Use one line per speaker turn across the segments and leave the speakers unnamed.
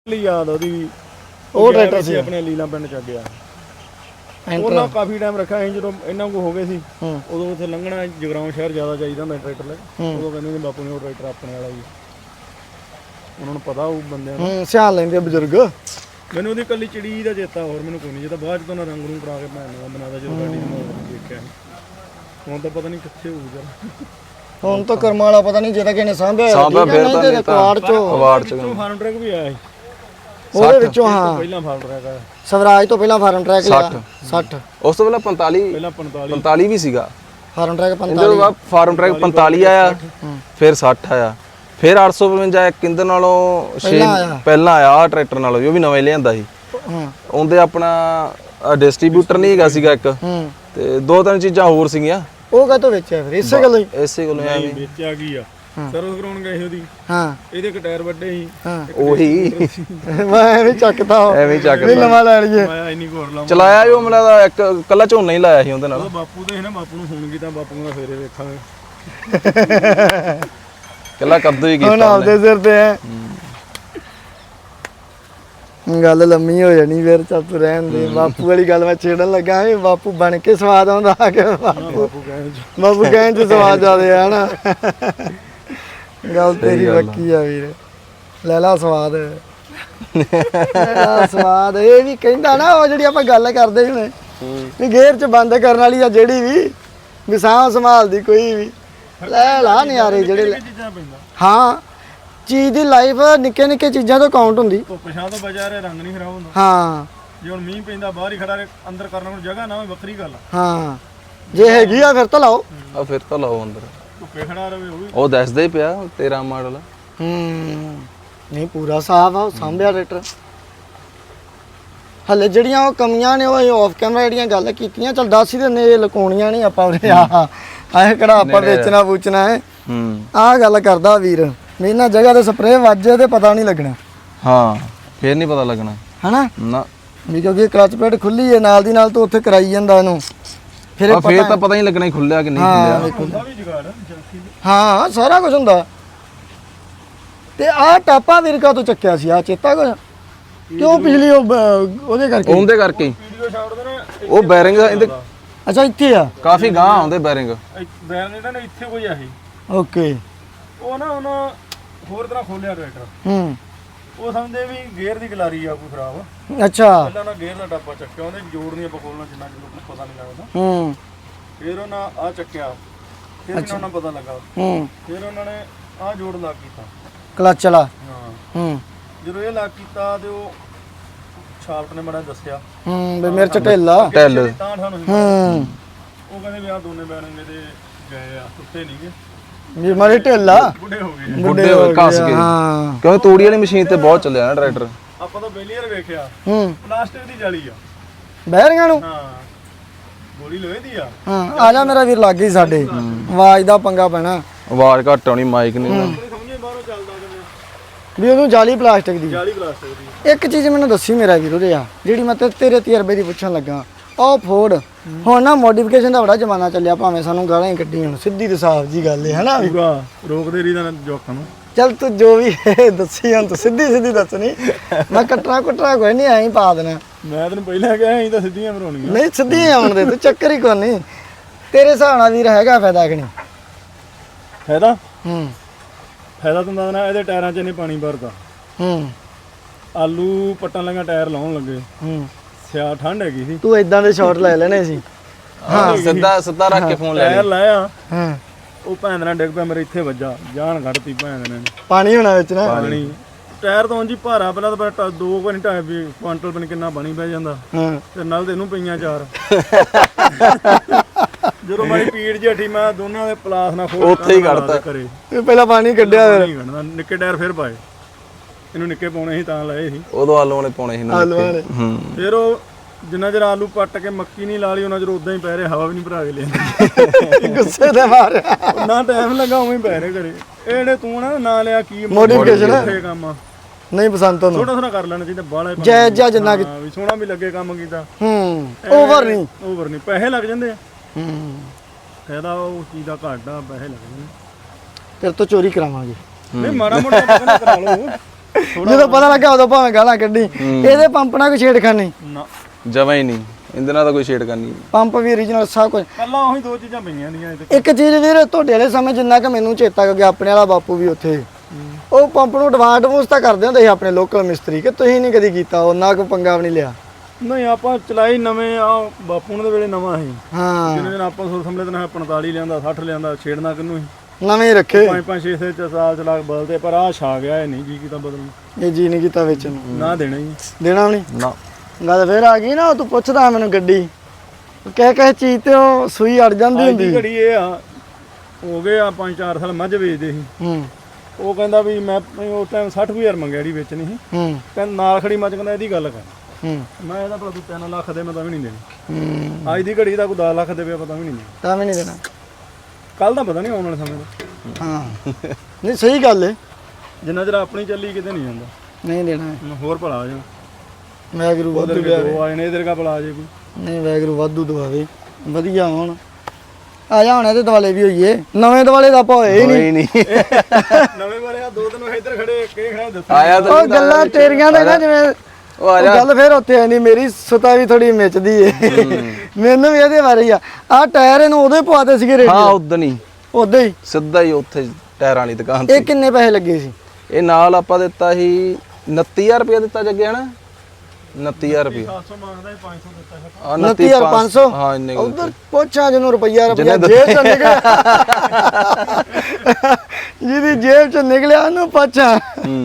याद ਉਹਦੀ
ਉਹ ਟਰੈਕਟਰ ਸੀ
ਆਪਣੇ ਲੀਲਾ ਪਿੰਡ ਚ ਗਿਆ ਉਹਨਾਂ ਕਾਫੀ ਟਾਈਮ ਰੱਖਿਆ ਸੀ ਜਦੋਂ ਇਹਨਾਂ ਕੋ ਹੋ ਗਏ ਸੀ ਉਦੋਂ ਉੱਥੇ ਲੰਘਣਾ ਜਗਰਾਉਂ ਸ਼ਹਿਰ ਜ਼ਿਆਦਾ ਚਾਹੀਦਾ ਹੁੰਦਾ ਟਰੈਕਟਰ ਲੈ ਉਦੋਂ ਕਹਿੰਦੇ ਨੇ ਬਾਪੂ ਨੇ ਉਹ ਟਰੈਕਟਰ ਆਪਣੇ ਵਾਲਾ ਹੀ ਉਹਨਾਂ ਨੂੰ ਪਤਾ ਉਹ ਬੰਦਿਆਂ ਨੂੰ
ਸਿਆਣ ਲੈਂਦੇ ਬਜ਼ੁਰਗ
ਮੈਨੂੰ ਉਹਦੀ ਕੱਲੀ ਚਿੜੀ ਦਾ ਚੇਤਾ ਹੋਰ ਮੈਨੂੰ ਕੋਈ ਨਹੀਂ ਜੇ ਤਾਂ ਬਾਅਦ ਚ ਤੋਂ ਰੰਗ ਨੂੰ ਕਰਾ ਕੇ ਭੈਣ ਨੂੰ ਬਣਾਦਾ ਜਦੋਂ ਗਾੜੀ ਨੂੰ ਦੇਖਿਆ ਹੁਣ ਤਾਂ ਪਤਾ ਨਹੀਂ ਕਿੱਥੇ ਹੋਊ ਜਰਾ
ਹੁਣ ਤਾਂ ਕਰਮ ਵਾਲਾ ਪਤਾ ਨਹੀਂ ਜੇ ਤਾਂ ਕਿਨੇ ਸਾਂਭਿਆ
ਫਿਰ ਤਾਂ ਨਹੀਂ
ਕਵਾੜ ਚੋਂ
ਫਾਰਮ ਟਰੈਕ ਵੀ ਆਇਆ ਸੀ
ਉਹਦੇ ਵਿੱਚੋਂ ਹਾਂ
ਪਹਿਲਾਂ ਫਾਰਮ ਟਰੈਕ ਆਇਆ
ਸਵਰਾਜ ਤੋਂ ਪਹਿਲਾਂ ਫਾਰਮ ਟਰੈਕ ਲਿਆ 60
ਉਸ ਤੋਂ ਪਹਿਲਾਂ 45
ਪਹਿਲਾਂ
45 ਵੀ ਸੀਗਾ
ਫਾਰਮ ਟਰੈਕ 45
ਇਹਦੇ ਬਾਅਦ ਫਾਰਮ ਟਰੈਕ 45 ਆਇਆ ਫਿਰ 60 ਆਇਆ ਫਿਰ 852 ਇੱਕ ਇੰਦਰ ਨਾਲੋਂ 6 ਪਹਿਲਾਂ ਆਇਆ ਆ ਟਰੈਕਟਰ ਨਾਲੋਂ ਉਹ ਵੀ ਨਵੇਂ ਲਿਆਂਦਾ ਸੀ ਉਹਦੇ ਆਪਣਾ ਡਿਸਟ੍ਰੀਬਿਊਟਰ ਨਹੀਂ ਹੈਗਾ ਸੀਗਾ ਇੱਕ ਤੇ ਦੋ ਤਿੰਨ ਚੀਜ਼ਾਂ ਹੋਰ ਸੀਗੀਆਂ
ਉਹ ਕਾਹਤੋਂ ਵੇਚਿਆ ਫਿਰ ਇਸੇ ਗੱਲੋਂ ਹੀ
ਇਸੇ ਕੋਲੋਂ ਐਵੇਂ
ਵੇਚਿਆ ਕੀ ਆ ਸਰਵਿਸ ਕਰਾਉਣ ਗਏ ਸੀ ਉਹਦੀ
ਹਾਂ
ਇਹਦੇ ਇੱਕ ਟਾਇਰ ਵੱਡੇ ਸੀ
ਉਹੀ
ਮੈਂ ਐਵੇਂ ਚੱਕਦਾ
ਐਵੇਂ ਚੱਕਦਾ
ਵੀ ਨਵਾਂ ਲੈ ਲਈਏ
ਮੈਂ ਇੰਨੀ ਘੋਰ ਲਾਵਾਂ
ਚਲਾਇਆ ਵੀ ਉਹ ਮੈਨੂੰ ਲੱਗਦਾ ਇੱਕ ਕੱਲਾ ਝੋਨਾ ਹੀ ਲਾਇਆ ਸੀ ਉਹਦੇ ਨਾਲ
ਉਹ ਬਾਪੂ ਦੇ ਸੀ ਨਾ ਬਾਪੂ ਨੂੰ ਫੋਨ ਕੀਤਾ ਬਾਪੂ ਦਾ ਫੇਰੇ ਵੇਖਾਂਗੇ
ਕੱਲਾ ਕੱਦੂ ਹੀ
ਹੁਣ
ਕੀਤਾ
ਆਪਦੇ ਸਿਰ ਤੇ ਹੈ ਗੱਲ ਲੰਮੀ ਹੋ ਜਾਣੀ ਫਿਰ ਚੱਲ ਤੂੰ ਰਹਿਣ ਦੇ ਬਾਪੂ ਵਾਲੀ ਗੱਲ ਮੈਂ ਛੇੜਨ ਲੱਗਾ ਵੀ ਬਾਪੂ ਬਣ ਕੇ ਸਵਾਦ ਆਉਂਦਾ ਆ ਕੇ ਬਾਪੂ ਕਹਿਣ ਚ ਸਵਾਦ ਆਦੇ ਆ ਨਾ ਗੱਲ ਤੇਰੀ ਵੱਕੀ ਆ ਵੀਰ ਲੈ ਲਾ ਸਵਾਦ ਸਵਾਦ ਇਹ ਵੀ ਕਹਿੰਦਾ ਨਾ ਉਹ ਜਿਹੜੀ ਆਪਾਂ ਗੱਲ ਕਰਦੇ ਹੁਣੇ ਵੀ ਗੇਅਰ ਚ ਬੰਦ ਕਰਨ ਵਾਲੀ ਆ ਜਿਹੜੀ ਵੀ ਸਾਹ ਸੰਭਾਲਦੀ ਕੋਈ ਵੀ ਲੈ ਲਾ ਨਿਆਰੇ ਜਿਹੜੇ ਹਾਂ ਚੀਜ਼ ਦੀ ਲਾਈਫ ਨਿੱਕੇ ਨਿੱਕੇ ਚੀਜ਼ਾਂ ਤੋਂ ਕਾਊਂਟ ਹੁੰਦੀ
ਧੁੱਪ ਛਾਂ ਤੋਂ ਬਚਾ ਰਿਹਾ ਰੰਗ ਨਹੀਂ ਖਰਾਬ ਹੁੰਦਾ
ਹਾਂ
ਜੇ ਹੁਣ ਮੀਂਹ ਪੈਂਦਾ ਬਾਹਰ ਹੀ ਖੜਾ ਰਹੇ ਅੰਦਰ ਕਰਨ ਨੂੰ ਜਗ੍ਹਾ ਨਾ ਹੋਵੇ ਵੱਖਰੀ ਗੱਲ
ਹਾਂ ਜੇ ਹੈਗੀ ਆ ਫਿਰ ਤਾਂ ਲਾਓ
ਆ ਫਿਰ ਤਾਂ ਲਾਓ ਅੰਦਰ
ਧੁੱਪੇ ਖੜਾ ਰਵੇ ਉਹ ਵੀ
ਉਹ ਦੱਸਦਾ ਹੀ ਪਿਆ 13 ਮਾਡਲ
ਨਹੀਂ ਪੂਰਾ ਸਾਫ ਆ ਸਾਂਭਿਆ ਟਰੈਕਟਰ ਹਲੇ ਜਿਹੜੀਆਂ ਉਹ ਕਮੀਆਂ ਨੇ ਉਹ ਆਫ ਕੈਮਰਾ ਜਿਹੜੀਆਂ ਗੱਲ ਕੀਤੀਆਂ ਚਲ ਦੱਸ ਹੀ ਦਿੰਦੇ ਇਹ ਲਕਾਉਣੀਆਂ ਨਹੀਂ ਆਪਾਂ ਉਹਦੇ ਆਹ ਕਿਹੜਾ ਆਪਾਂ ਵੇਚਣਾ ਪੂਚਣਾ ਹੈ ਆਹ ਗੱਲ ਕਰਦਾ ਵੀਰ ਇਹਨਾਂ ਜਗ੍ਹਾ ਤੇ ਸਪਰੇਅ ਵੱਜੇ ਤੇ ਪਤਾ ਨਹੀਂ ਲੱਗਣਾ
ਹਾਂ ਫੇਰ ਨਹੀਂ ਪਤਾ ਲੱਗਣਾ
ਹਨਾ
ਨਾ
ਵੀ ਕਿਉਂਕਿ ਕਲਚ ਪਲੇਟ ਖੁੱਲੀ ਹੈ ਨਾਲ ਦੀ ਨਾਲ ਤੂੰ ਉੱਥੇ ਕਰਾਈ ਜਾਂਦਾ ਇਹਨੂੰ
ਫਿਰ ਤਾਂ ਪਤਾ ਹੀ ਲੱਗਣਾ ਖੁੱਲਿਆ ਕਿ ਨਹੀਂ ਖੁੱਲਿਆ
ਹਾਂ ਸਾਰਾ ਕੁਝ ਹੁੰਦਾ ਤੇ ਆਹ ਟਾਪਾ ਵੀਰਕਾ ਤੋਂ ਚੱਕਿਆ ਸੀ ਆ ਚੇਤਾ ਕੁਝ ਕਿਉਂ ਪਿਛਲੀ ਉਹਦੇ
ਕਰਕੇ ਉਹ ਬੈਰਿੰਗ ਇਹਦੇ
ਅੱਛਾ ਇੱਥੇ ਆ
ਕਾਫੀ ਗਾਂ ਆਉਂਦੇ ਬੈਰਿੰਗ
ਇਹਨਾਂ ਨੇ ਇੱਥੇ ਕੋਈ ਆਹੀ
ਓਕੇ
ਉਹ ਨਾ ਉਹਨਾਂ ਹੋਰ ਤਰ੍ਹਾਂ ਖੋਲਿਆ ਟਰੈਕਟਰ ਉਹ ਸਮਝਦੇ ਵੀ ਗੇਅਰ ਦੀ ਗਲਾਰੀ ਆ ਕੋਈ ਖਰਾਬ
ਅੱਛਾ
ਪਹਿਲਾਂ ਉਹਨਾਂ ਗੇਅਰ ਦਾ ਡੱਬਾ ਚੱਕਿਆ ਉਹਦੇ ਜੋੜ ਨਹੀਂ ਆਪਾਂ ਖੋਲਣਾ ਜਿੰਨਾ ਕਿ ਲੋਕਾਂ ਨੂੰ ਪਤਾ ਨਹੀਂ ਲੱਗਦਾ ਫਿਰ ਉਹਨਾਂ ਆ ਚੱਕਿਆ ਫਿਰ ਉਹਨਾਂ ਨੂੰ ਪਤਾ ਲੱਗਾ ਫਿਰ ਉਹਨਾਂ ਨੇ ਆ ਜੋੜ ਲਾ ਕੀਤਾ
ਕਲਚ ਵਾਲਾ
ਹਾਂ ਜਦੋਂ ਇਹ ਲਾ ਕੀਤਾ ਤੇ ਉਹ ਸ਼ਾਫਟ ਨੇ ਬੜਾ ਦੱਸਿਆ
ਵੀ ਮਿਰਚ ਢਿੱਲਾ
ਢਿੱਲ
ਤਾਂ ਸਾਨੂੰ ਉਹ ਕਹਿੰਦੇ ਵੀ ਆ ਦੋਨੇ ਬੈਣਗੇ ਤੇ ਗਏ ਆ ਟੁੱਟੇ ਨਹੀਂਗੇ
ਵੀ ਮਾਰੇ ਢਿੱਲਾ
ਬੁੱਢੇ ਹੋਏ ਘਸ ਗਏ ਕਿਉਂਕਿ ਤੂੜੀ ਵਾਲੀ ਮਸ਼ੀਨ ਤੇ ਬਹੁਤ ਚੱਲਿਆ ਨਾ ਟਰੈਕਟਰ
ਆਪਾਂ ਤਾਂ ਬੇਲੀਅਰ ਵੇਖਿਆ ਪਲਾਸਟਿਕ ਦੀ ਜਾਲੀ ਆ
ਬੈਰਿੰਗਾਂ ਨੂੰ
ਹਾਂ ਗੋਲੀ ਲੋਹੇ ਦੀ ਆ
ਆ ਜਾ ਮੇਰਾ ਵੀਰ ਲੱਗ ਗਈ ਸਾਡੇ ਆਵਾਜ਼ ਦਾ ਪੰਗਾ ਪੈਣਾ
ਆਵਾਜ਼ ਘੱਟ ਆਉਣੀ ਮਾਈਕ ਨਹੀਂ
ਸਮਝੇ ਬਾਹਰੋਂ ਚੱਲਦਾ
ਵੀ ਉਹਨੂੰ ਜਾਲੀ ਪਲਾਸਟਿਕ ਦੀ
ਜਾਲੀ ਪਲਾਸਟਿਕ ਦੀ
ਇੱਕ ਚੀਜ਼ ਮੈਨੂੰ ਦੱਸੀ ਮੇਰਾ ਵੀਰ ਉਹਦੇ ਆ ਜਿਹੜੀ ਮੈਂ ਤੇਰੇ ਤਜਰਬੇ ਦੀ ਪੁੱਛਣ ਲੱਗਾ ਉਹ ਫੋਰਡ ਹੁਣ ਨਾ ਮੋਡੀਫਿਕੇਸ਼ਨ ਦਾ ਬੜਾ ਜ਼ਮਾਨਾ ਚੱਲਿਆ ਭਾਵੇਂ ਸਾਨੂੰ ਗਾਲਾਂ ਹੀ ਕੱਢੀ ਹੁਣ ਸਿੱਧੀ ਤੇ ਸਾਫ਼ ਜੀ ਗੱਲ ਹੈ ਹਨਾ ਵੀ
ਰੋਕਦੇ ਰਹੀ ਦਾ ਜੋਕਾਂ ਨੂੰ
ਚੱਲ ਤੂੰ ਜੋ ਵੀ ਦੱਸੀ ਹੁਣ ਤੂੰ ਸਿੱਧੀ ਦੱਸਣੀ ਮੈਂ ਕੱਟਣਾ ਕੋਈ ਨਹੀਂ ਐਂ ਪਾ ਦੇਣਾ
ਮੈਂ ਤੈਨੂੰ ਪਹਿਲਾਂ ਕਿਹਾ ਸੀ ਤਾਂ ਸਿੱਧੀਆਂ ਬਣਾਉਣੀਆਂ
ਨਹੀਂ ਸਿੱਧੀਆਂ ਆਉਣ ਦੇ ਤੂੰ ਚੱਕਰ ਹੀ ਕੋਈ ਨਹੀਂ ਤੇਰੇ ਹਿਸਾਬ ਨਾਲ ਵੀਰ ਹੈਗਾ ਫਾਇਦਾ ਕਿ ਨਹੀਂ
ਫਾਇਦਾ ਫਾਇਦਾ ਤਾਂ ਨਾ ਇਹਦੇ ਟਾਇਰਾਂ 'ਚ ਇਹਨੇ ਪਾਣੀ ਭਰਦਾ ਆਲੂ ਪੱਟਣ ਲੱਗਾ ਟਾਇਰ ਲਾਉਣ ਲੱਗੇ ਸਿਆ ਠੰਡ ਹੈਗੀ ਸੀ
ਤੂੰ ਇਦਾਂ ਦੇ ਸ਼ਾਟ ਲੈ ਲੈਣੇ ਸੀ
ਹਾਂ ਸਿੱਧਾ ਰੱਖ ਕੇ ਫੋਨ ਲੈ
ਟਾਇਰ ਲਾਇਆ ਉਹ ਭੈਣ ਨਾਲ ਡਿੱਗ ਪਿਆ ਮੇਰੇ ਇੱਥੇ ਵੱਜਾ ਜਾਨ ਕੱਢਤੀ ਭੈਣ ਨੇ
ਪਾਣੀ ਹੋਣਾ ਵਿੱਚ ਨਾ
ਪਾਣੀ ਟਾਇਰ ਤਾਂ ਉਂਝ ਹੀ ਭਾਰਾ ਪਹਿਲਾਂ ਤਾਂ 2 ਘੰਟੇ ਕੁਆਂਟਲ ਬਣ ਕਿੰਨਾ ਪਾਣੀ ਪੈ ਜਾਂਦਾ ਤੇ ਨਾਲ ਤੇ ਇਹਨੂੰ ਪਈਆਂ 4 ਜਦੋਂ ਮਾਰੀ ਪੀੜ ਜਿਹੀ ਮੈਂ ਦੋਨਾਂ ਦੇ ਪਲਾਸ ਨਾਲ ਖੋਲ
ਉੱਥੇ ਹੀ ਕੱਢਤਾ
ਕਰੇ
ਪਹਿਲਾਂ ਪਾਣੀ ਕੱਢਿਆ
ਫਿਰ ਨਿੱਕੇ ਟਾਇਰ ਫਿਰ ਪਾਏ ਇਹਨੂੰ ਨਿੱਕੇ ਪਾਉਣੇ ਸੀ ਤਾਂ ਲਾਏ ਸੀ
ਉਦੋਂ ਆਲੂ ਵਾਲੇ ਪਾਉਣੇ ਸੀ
ਆਲੂ ਵਾਲੇ
ਫਿਰ ਉਹ ਜਿੰਨਾ ਚਿਰ ਆਲੂ ਪੱਟ ਕੇ ਮੱਕੀ ਨਹੀਂ ਲਾ ਲਈ ਉਹਨਾਂ ਚਿਰ ਉਦਾਂ ਹੀ ਪੈ ਰਹੇ ਹਵਾ ਵੀ ਨਹੀਂ ਭਰਾ ਕੇ ਲਿਆਂਦੀ
ਗੁੱਸੇ ਦੇ ਮਾਰਿਆ
ਨਾ ਟਾਈਮ ਲੱਗਾ ਉਵੇਂ ਹੀ ਪੈ ਰਹੇ ਘਰੇ ਇਹ ਜਿਹੜੇ ਤੂੰ ਨਾ ਲਿਆ ਕੀ
ਮੋਡੀਫਿਕੇਸ਼ਨ
ਕੰਮ
ਨਹੀਂ ਪਸੰਦ ਤੁਹਾਨੂੰ
ਥੋੜਾ ਕਰ ਲੈਣਾ ਚਾਹੀਦਾ ਬਾਹਲਾ
ਜੈ ਜਿੰਨਾ
ਵੀ ਸੋਹਣਾ ਵੀ ਲੱਗੇ ਕੰਮ ਕੀਤਾ
ਓਵਰ ਨਹੀਂ
ਪੈਸੇ ਲੱਗ ਜਾਂਦੇ ਆ ਫਾਇਦਾ ਉਹ ਚੀਜ਼ ਦਾ ਘਾਟਾ ਪੈਸੇ ਲੱਗ ਜਾਂਦੇ
ਤੇਰੇ ਤੋਂ ਚੋਰੀ ਕਰਾਵਾਂਗੇ
ਨਹੀਂ ਮਾੜਾ ਮੋਟਾ ਕਰਾ ਲਓ
ਜਦੋਂ ਪਤਾ ਲੱਗਾ ਉਦੋਂ ਭਾਵੇਂ ਗਾਲਾਂ ਕੱਢੀ। ਇਹਦੇ ਪੰਪ ਨਾਲ ਕੋਈ ਛੇੜਖਾਨੀ
ਨਾ
ਜਮਾਂ ਹੀ ਨਹੀਂ, ਇਹਦੇ ਨਾਲ ਤਾਂ ਕੋਈ ਛੇੜ ਕਰਨੀ।
ਪੰਪ ਵੀ origignal ਸਭ ਕੁਝ।
ਪਹਿਲਾਂ ਉਹੀ ਦੋ ਚੀਜ਼ਾਂ ਪਈਆਂ ਦੀਆਂ ਇਹਦੇ।
ਇੱਕ ਚੀਜ਼ ਵੀਰ ਤੁਹਾਡੇ ਵਾਲੇ ਸਮੇਂ ਜਿੰਨਾ ਕਿ ਮੈਨੂੰ ਚੇਤਾ ਕਿ ਆਪਣੇ ਵਾਲਾ ਬਾਪੂ ਵੀ ਉੱਥੇ ਉਹ ਪੰਪ ਨੂੰ ਐਡਵਾਂਸ ਤਾਂ ਕਰਦੇ ਹੁੰਦੇ ਸੀ ਆਪਣੇ ਲੋਕਲ ਮਿਸਤਰੀ, ਕਿ ਤੁਸੀਂ ਨਹੀਂ ਕਦੀ ਕੀਤਾ, ਉਹਨਾਂ ਕੋ ਪੰਗਾ ਵੀ ਨਹੀਂ ਲਿਆ।
ਨਹੀਂ ਆਪਾਂ ਚਲਾਈ ਨਵੇਂ ਆ ਬਾਪੂ ਦੇ ਵੇਲੇ ਨਵਾਂ ਸੀ।
ਹਾਂ
ਜਿਹਨੇ ਦਿਨ ਆਪਾਂ ਸੁਰ ਸੰਭਲੇ ਦਿਨ 45 ਲਿਆਂਦਾ 60 ਲਿਆਂਦਾ, ਛੇੜਨਾ ਕਿੰਨੂੰ ਸੀ।
ਨਵੇਂ ਰੱਖੇ
5-5 6 ਸਾਲ ਚਲਾ ਬਦਲਦੇ, ਪਰ ਆਹ ਛਾ ਗਿਆ ਇਹ ਨਹੀਂ ਜੀ ਕੀਤਾ ਬਦਲਣ।
ਇਹ ਜੀ ਨਹੀਂ ਕੀਤਾ ਵਿੱਚ ਨੂੰ
ਨਾ ਦੇਣਾ ਹੀ
ਦੇਣਾ ਵੀ ਨਹੀਂ।
ਨਾ
ਗੱਲ ਫੇਰ ਆ ਗਈ ਨਾ, ਤੂੰ ਪੁੱਛਦਾ ਮੈਨੂੰ ਗੱਡੀ ਕਹਿ ਚੀਜ਼ ਤੇ ਉਹ ਸੂਈ ਅੜ ਜਾਂਦੀ ਹੁੰਦੀ।
ਘੜੀ ਇਹ ਆ ਹੋ ਗਏ ਆ 5-4 ਸਾਲ ਮੱਝ ਵੇਚਦੇ ਸੀ। ਉਹ ਕਹਿੰਦਾ ਵੀ ਮੈਂ ਉਸ ਟਾਈਮ 60,000 ਮੰਗਿਆ ਜਿਹੜੀ ਵੇਚਣੀ ਸੀ। ਕਹਿੰਦਾ ਨਾਲ ਖੜੀ ਮੱਝ, ਕਹਿੰਦਾ ਇਹਦੀ ਗੱਲ ਕਰ। ਮੈਂ ਇਹਦਾ ਭਲਾ ਤੂੰ 3 ਲੱਖ ਦੇ, ਮੈਂ ਤਾਂ ਵੀ ਨਹੀਂ ਦੇਣੀ। ਅੱਜ ਦੀ ਘੜੀ ਦਾ ਕੋਈ 10 ਲੱਖ ਦੇਵੇ ਪਤਾ ਵੀ ਨਹੀਂ ਦੇਣਾ,
ਤਾਂ ਵੀ ਨਹੀਂ ਦੇਣਾ।
ਕੱਲ ਦਾ ਪਤਾ ਨਹੀਂ ਆਉਣ ਵਾਲੇ ਸਮੇਂ ਦਾ।
ਹਾਂ ਨਹੀਂ ਸਹੀ ਗੱਲ ਏ,
ਜਿੰਨਾ ਚਿਰ ਆਪਣੀ ਚੱਲੀ ਕਿਤੇ ਨਹੀਂ ਜਾਂਦਾ।
ਨਹੀਂ ਦੇਣਾ।
ਹੋਰ ਭਲਾ ਆ ਜਾ
ਵੈਗਰੂ ਵਾਧੂ
ਦੋ ਆਏ ਨੇ, ਇਧਰ ਕਾ ਭਲਾ ਆ ਜੇ ਕੋਈ।
ਨਹੀਂ ਵੈਗਰੂ ਵਾਧੂ ਦਵਾਵੇ ਵਧੀਆ ਹੋਣ। ਆ ਜਾ ਹੁਣ ਇਹਦੇ ਦੁਆਲੇ ਵੀ ਹੋਈਏ, ਨਵੇਂ ਦੁਆਲੇ ਦਾ ਆਪਾਂ ਹੋਏ ਹੀ ਨਹੀਂ।
ਨਵੇਂ ਵਾਲੇ ਆ ਦੋ ਦਿਨ ਇੱਧਰ ਖੜੇ ਕਿਹੜੇ ਖੜੇ ਦੱਸ
ਆਇਆ ਤਾਂ
ਉਹ ਗੱਲਾਂ ਤੇਰੀਆਂ ਨੇ ਨਾ, ਜਿਵੇਂ
ਉਹ ਆ ਜਾ।
ਗੱਲ ਫੇਰ ਉੱਥੇ ਆਂਦੀ ਮੇਰੀ ਸੁਤਾ ਵੀ ਥੋੜੀ ਮਿਚਦੀ ਏ। ਮੈਨੂੰ ਵੀ ਇਹਦੇ ਬਾਰੇ ਆ ਟਾਇਰ ਇਹਨੂੰ ਉਹਦੇ ਪਵਾਤੇ ਸੀਗੇ ਰੇਡੀ।
ਹਾਂ ਉਦੋਂ ਹੀ
ਉਦੋਂ ਹੀ
ਸਿੱਧਾ ਹੀ ਉੱਥੇ ਟਾਇਰਾਂ ਵਾਲੀ ਦੁਕਾਨ ਤੇ।
ਇਹ ਕਿੰਨੇ ਪੈਸੇ ਲੱਗੇ ਸੀ?
ਇਹ ਨਾਲ ਆਪਾਂ ਦਿੱਤਾ ਸੀ 29000 ਰੁਪਏ ਦਿੱਤਾ ਜੱਗੇ ਹਨਾ, 29000 ਰੁਪਏ।
700 ਮੰਗਦਾ ਸੀ, 500 ਦਿੱਤਾ ਹੈ।
29500
ਹਾਂ ਇੰਨੇ
ਉਧਰ ਪੁੱਛਾਂ ਜਿਹਨੂੰ ਰੁਪਈਆ ਜੇਬ ਚੋਂ ਨਿਕਲਿਆ, ਜਿਹਦੀ ਜੇਬ ਚੋਂ ਨਿਕਲਿਆ ਉਹਨੂੰ ਪੁੱਛਾਂ।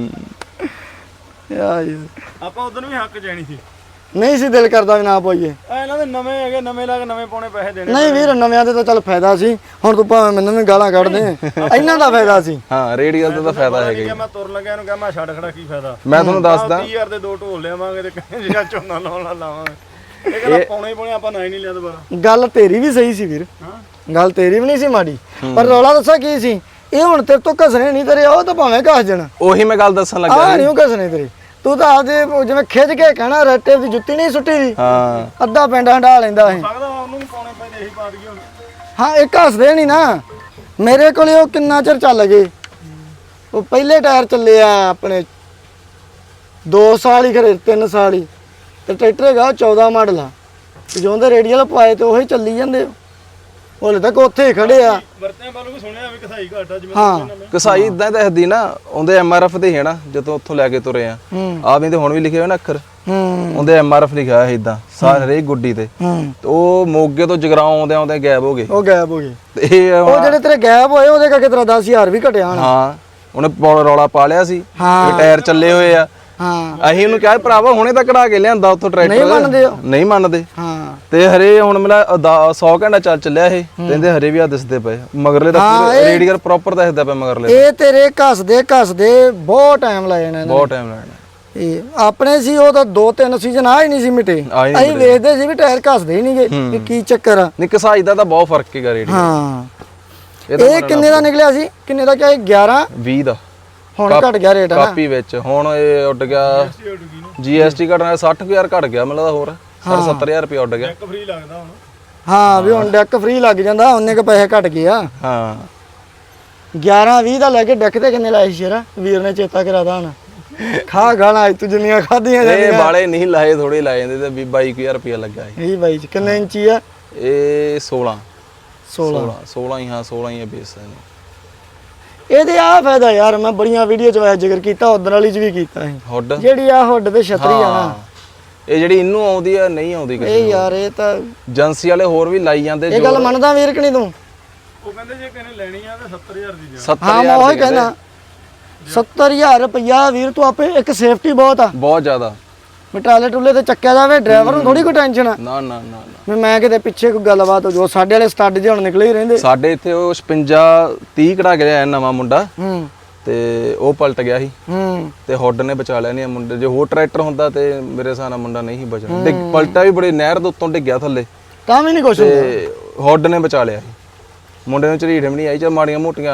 ਯਾਰ
ਆਪਾਂ ਉਦੋਂ ਵੀ ਹੱਕ ਜਾਣੀ ਸੀ।
ਨਹੀਂ ਸੀ ਦਿਲ ਕਰਦਾ ਵੀ ਨਾ ਪਾਈਏ।
ਇਹਨਾਂ ਦੇ ਨਵੇਂ ਹੈਗੇ, ਨਵੇਂ ਲਾ ਕੇ ਨਵੇਂ ਪਾਉਣੇ ਪੈਸੇ ਦੇਣੇ।
ਨਹੀਂ ਵੀਰ ਨਵਿਆਂ ਦੇ ਤਾਂ ਚੱਲ ਫਾਇਦਾ ਸੀ, ਹੁਣ ਤੂੰ ਭਾਵੇਂ ਮੈਨੂੰ ਵੀ ਗਾਲਾਂ ਕੱਢ ਦੇ, ਇਹਨਾਂ ਦਾ ਫਾਇਦਾ ਸੀ।
ਹਾਂ ਰੇਡੀਅਲ ਦਾ ਤਾਂ ਫਾਇਦਾ ਹੈਗਾ ਹੀ।
ਮੈਂ ਤੁਰਨ ਲੱਗਿਆ ਇਹਨੂੰ ਕਿਹਾ ਮੈਂ ਛੱਡ ਖੜਾ ਕੀ ਫਾਇਦਾ।
ਮੈਂ ਤੁਹਾਨੂੰ ਦੱਸਦਾ
30000 ਦੇ ਦੋ ਢੋਲ ਲਿਆਵਾਂਗੇ ਤੇ ਕਹਿੰਦੇ ਜਿਹੜਾ ਝੋਨਾ ਲਾਉਣਾ ਲਾਵਾਂਗੇ। ਇਹ ਕਹਿੰਦਾ ਪਾਉਣੇ ਹੀ ਪਾਉਣੇ, ਆਪਾਂ ਨਾ ਹੀ ਨਹੀਂ ਲਿਆ ਦੁਬਾਰਾ।
ਗੱਲ ਤੇਰੀ ਵੀ ਸਹੀ ਸੀ ਵੀਰ, ਗੱਲ ਤੇਰੀ ਵੀ ਨਹੀਂ ਸੀ ਮਾੜੀ, ਪਰ ਰੌਲਾ ਦੱਸਾਂ ਕੀ ਸੀ, ਇਹ ਹੁਣ ਤੇਰੇ ਤੋਂ ਘਸਣੇ ਨਹੀਂ ਤੇਰੇ, ਉਹ ਤਾਂ ਭਾਵੇਂ ਘਸ ਜਾਣ।
ਉਹੀ ਮੈਂ ਗੱਲ ਦੱਸਣ ਲੱਗਾ
ਆ ਨਹੀਂ ਉਹ ਘਸਣੇ ਤੇਰੇ, ਤੂੰ ਤਾਂ ਆਪਦੇ ਜਿਵੇਂ ਖਿੱਚ ਕੇ ਕਹਿਣਾ ਰੱਟੇ ਦੀ ਜੁੱਤੀ ਨਹੀਂ ਸੁੱਟੀ ਦੀ।
ਹਾਂ
ਅੱਧਾ ਪਿੰਡ ਹੰਡਾ ਲੈਂਦਾ ਇਹ।
ਲੱਗਦਾ ਉਹਨੂੰ ਵੀ ਪਾਉਣੇ ਪੈਂਦੇ, ਇਹੀ ਪਾ ਦਈਏ ਹੁਣ।
ਹਾਂ ਇਹ ਘਸਦੇ ਨਹੀਂ ਨਾ, ਮੇਰੇ ਕੋਲੇ ਉਹ ਕਿੰਨਾ ਚਿਰ ਚੱਲ ਗਏ। ਉਹ ਪਹਿਲੇ ਟਾਇਰ ਚੱਲੇ ਆ ਆਪਣੇ 2 ਸਾਲ ਹੀ ਖਰੇ 3 ਸਾਲ ਹੀ, ਤੇ ਟਰੈਕਟਰ ਹੈਗਾ 14 ਮਾਡਲ ਆ, ਤੇ ਜਿਉਂਦੇ ਰੇਡੀਅਲ ਪਾਏ ਤੇ ਉਹੀ ਚੱਲੀ ਜਾਂਦੇ। ਹਲੇ ਤੱਕ ਉੱਥੇ ਹੀ ਖੜੇ ਆ।
ਵਰਤਿਆਂ ਵੱਲੋਂ ਵੀ ਸੁਣਿਆ ਵੀ ਕਸਾਈ ਘਾਟਾ ਜਿਵੇਂ
ਹਾਂ
ਕਸਾਈ ਇਦਾਂ ਦੱਸਦੀ ਨਾ, ਉਹਦੇ ਐਮਆਰਐਫ ਤੇ ਹੈ ਨਾ, ਜਦੋਂ ਉੱਥੋਂ ਲੈ ਕੇ ਤੁਰੇ ਆ ਆ ਵੀ ਤੇ ਹੁਣ ਵੀ ਲਿਖੇ ਹੋਏ ਨਾ ਅੱਖਰ, ਉਹਦੇ ਐਮਆਰਐਫ ਲਿਖਿਆ ਹੋਇਆ ਇਦਾਂ ਸਾਰੇ ਗੁੱਡੀ ਤੇ। ਤੇ ਉਹ ਮੋਗੇ ਤੋਂ ਜਗਰਾਉਂ ਆਉਂਦੇ ਆਉਂਦੇ ਗਾਇਬ ਹੋ ਗਏ।
ਉਹ ਗਾਇਬ ਹੋ ਗਏ।
ਤੇ ਇਹ
ਉਹ ਜਿਹੜੇ ਤੇਰੇ ਗਾਇਬ ਹੋਏ ਉਹਦੇ ਕਰਕੇ ਤੇਰਾ 10000 ਵੀ ਘਟਿਆ ਹੋਣਾ।
ਹਾਂ ਉਹਨੇ ਰੌਲਾ ਪਾ ਲਿਆ ਸੀ
ਹਾਂ।
ਵੀ ਟਾਇਰ ਚੱਲੇ ਹੋਏ ਆ।
ਹਾਂ
ਅਸੀਂ ਉਹਨੂੰ ਕਿਹਾ ਭਰਾਵਾ ਹੁਣੇ ਤਾਂ ਕਢਾ ਕੇ ਲਿਆਂਦਾ ਉੱਥੋਂ ਟਰੈਕਟਰ।
ਨਹੀਂ ਮੰਨਦੇ ਉਹ।
ਨਹੀਂ ਮੰਨਦੇ।
ਹਾਂ
ਤੇ ਹਰੇ ਹੁਣ ਮੇਰਾ 100 ਘੰਟਾ ਚੱਲਿਆ ਇਹ, ਕਹਿੰਦੇ ਹਰੇ ਵੀ ਆ ਦਿਸਦੇ ਪਏ ਮਗਰਲੇ ਤਾਂ ਪੂਰੇ ਰੇਡੀਅਲ ਪ੍ਰੋਪਰ ਦਿਸਦਾ ਪਿਆ ਮਗਰਲੇ।
ਇਹ ਤੇਰੇ ਘਸਦੇ ਬਹੁਤ ਟਾਈਮ ਲਾਇਆ ਇਹਨਾਂ ਨੇ,
ਬਹੁਤ ਟਾਈਮ ਲੱਗਣਾ।
ਇਹ ਆਪਣੇ ਸੀ ਉਹ ਤਾਂ 2-3 ਸੀਜ਼ਨ ਆ ਹੀ ਨਹੀਂ ਸੀ ਮਿਟੇ। ਅਸੀਂ ਵੇਖਦੇ ਸੀ ਵੀ ਟਾਇਰ ਘਸਦੇ ਹੀ ਨਹੀਂਗੇ, ਵੀ ਕੀ ਚੱਕਰ ਆ।
ਨਹੀਂ ਕਸਾਈ ਦਾ ਤਾਂ ਬਹੁਤ ਫਰਕ ਹੈਗਾ ਰੇਡੀਅਲ।
ਹਾਂ ਇਹ ਕਿੰਨੇ ਦਾ ਨਿਕਲਿਆ ਸੀ, ਕਿੰਨੇ ਦਾ ਕਿਹਾ? 11-20
ਦਾ
ਹੁਣ ਘਟ ਗਿਆ ਰੇਟ ਨਾ
ਕਾਪੀ ਵਿੱਚ। ਹੁਣ ਇਹ ਉੱਡ ਗਿਆ ਜੀਐਸਟੀ ਘਟਣਾ 60000 ਘਟ ਗਿਆ ਮੈਨੂੰ ਲੱਗਦਾ, ਹੋਰ 70000 ਰੁਪਏ ਉੱਡ ਗਿਆ।
ਇੱਕ ਫ੍ਰੀ ਲੱਗਦਾ ਹੁਣ।
ਹਾਂ ਵੀ ਹੁਣ ਡੈਕ ਫ੍ਰੀ ਲੱਗ ਜਾਂਦਾ, ਉਹਨੇ ਕ ਪੈਸੇ ਘਟ ਗਏ ਆ।
ਹਾਂ
11-20 ਦਾ ਲੈ ਕੇ ਡੈਕ ਤੇ ਕਿੰਨੇ ਲਾਏ ਸੀ ਸ਼ੇਰਾ? ਵੀਰ ਨੇ ਚੇਤਾ ਕਰਾਦਾ ਹੁਣ। ਖਾ ਗਾਣਾ ਤੂੰ ਜਿੰਨੀਆਂ ਖਾਧੀਆਂ
ਇਹ ਵਾਲੇ ਨਹੀਂ ਲਾਏ, ਥੋੜੇ ਲਾਏ ਜਾਂਦੇ ਤੇ 22000 ਰੁਪਏ ਲੱਗਾ
ਇਹ ਬਾਈ ਚ। ਕਿੰਨੇ ਇੰਚੀ ਆ
ਇਹ? 16 ਹੀ। ਹਾਂ 16 ਹੀ ਹੈ ਬੇਸ।
ਇਹਦੇ ਆ ਫਾਇਦਾ ਯਾਰ, ਮੈਂ ਬੜੀਆਂ ਵੀਡੀਓ ਚ ਵਾਇਆ ਜ਼ਿਕਰ ਕੀਤਾ, ਉਧਰ ਵਾਲੀ ਚ ਵੀ ਕੀਤਾ ਸੀ।
ਹੁੱਡ
ਜਿਹੜੀ ਆ ਹੁੱਡ ਤੇ ਛਤਰੀ ਆ ਨਾ,
ਇਹ ਜਿਹੜੀ ਇਹਨੂੰ ਆਉਂਦੀ ਆ ਨਹੀਂ ਆਉਂਦੀ ਕਿਸੇ
ਇਹ ਯਾਰ ਇਹ ਤਾਂ
ਏਜੰਸੀ ਵਾਲੇ ਹੋਰ ਵੀ ਲਾਈ ਜਾਂਦੇ।
ਇਹ ਗੱਲ ਮੰਨਦਾ ਵੀਰ ਕਿ ਨਹੀਂ ਤੂੰ?
ਉਹ ਕਹਿੰਦੇ ਜੇ ਕਿਸੇ ਲੈਣੀ ਆ ਤਾਂ 70000 ਦੀ ਜਾ।
70000
ਹਾਂ ਮੈਂ ਉਹੀ ਕਹਿੰਦਾ 70000 ਰੁਪਇਆ ਵੀਰ ਤੂੰ ਆਪੇ ਇੱਕ ਸੇਫਟੀ ਬਹੁਤ ਆ,
ਬਹੁਤ ਜ਼ਿਆਦਾ।
ਟਰਾਲੇ ਟੁੱਲੇ ਤੇ ਚੱਕਿਆ ਜਾਵੇ, ਡਰਾਈਵਰ ਨੂੰ ਥੋੜੀ ਕੋਈ ਟੈਨਸ਼ਨ ਆ।
ਨਾ ਨਾ ਨਾ
ਵੀ ਮੈਂ ਕਿਤੇ ਪਿੱਛੇ ਕੋਈ ਗੱਲਬਾਤ ਹੋ ਜੋ। ਸਾਡੇ ਵਾਲੇ ਸਟੱਡ ਜਿਹੇ ਹੁਣ ਨਿਕਲੇ ਹੀ ਰਹਿੰਦੇ।
ਸਾਡੇ ਇੱਥੇ ਉਹ 56-30 ਕਢਾ ਕੇ ਲਿਆਇਆ ਨਵਾਂ ਮੁੰਡਾ, ਤੇ ਉਹ ਪਲਟ ਗਿਆ ਸੀ ਤੇ ਹੁੱਡ ਨੇ ਬਚਾ ਲਿਆ। ਨਹੀਂ ਮੁੰਡੇ ਜੇ ਹੋਰ ਟਰੈਕਟਰ ਹੁੰਦਾ ਤੇ ਮੇਰੇ ਹਿਸਾਬ ਨਾਲ ਮੁੰਡਾ ਨਹੀਂ ਬਚਣਾ। ਪਲਟਾ ਵੀ ਬੜੀ ਨਹਿਰ ਦੇ ਉੱਤੋਂ ਡਿੱਗਿਆ ਥੱਲੇ,
ਤਾਂ ਵੀ ਨਹੀਂ ਕੁਛ
ਤੇ ਹੁੱਡ ਨੇ ਬਚਾ ਲਿਆ ਸੀ। ਮੁੰਡੇ ਨੂੰ ਝਰੀਟ ਵੀ ਨਹੀਂ ਆਈ, ਚਾ ਮਾੜੀਆਂ ਮੋਟੀਆਂ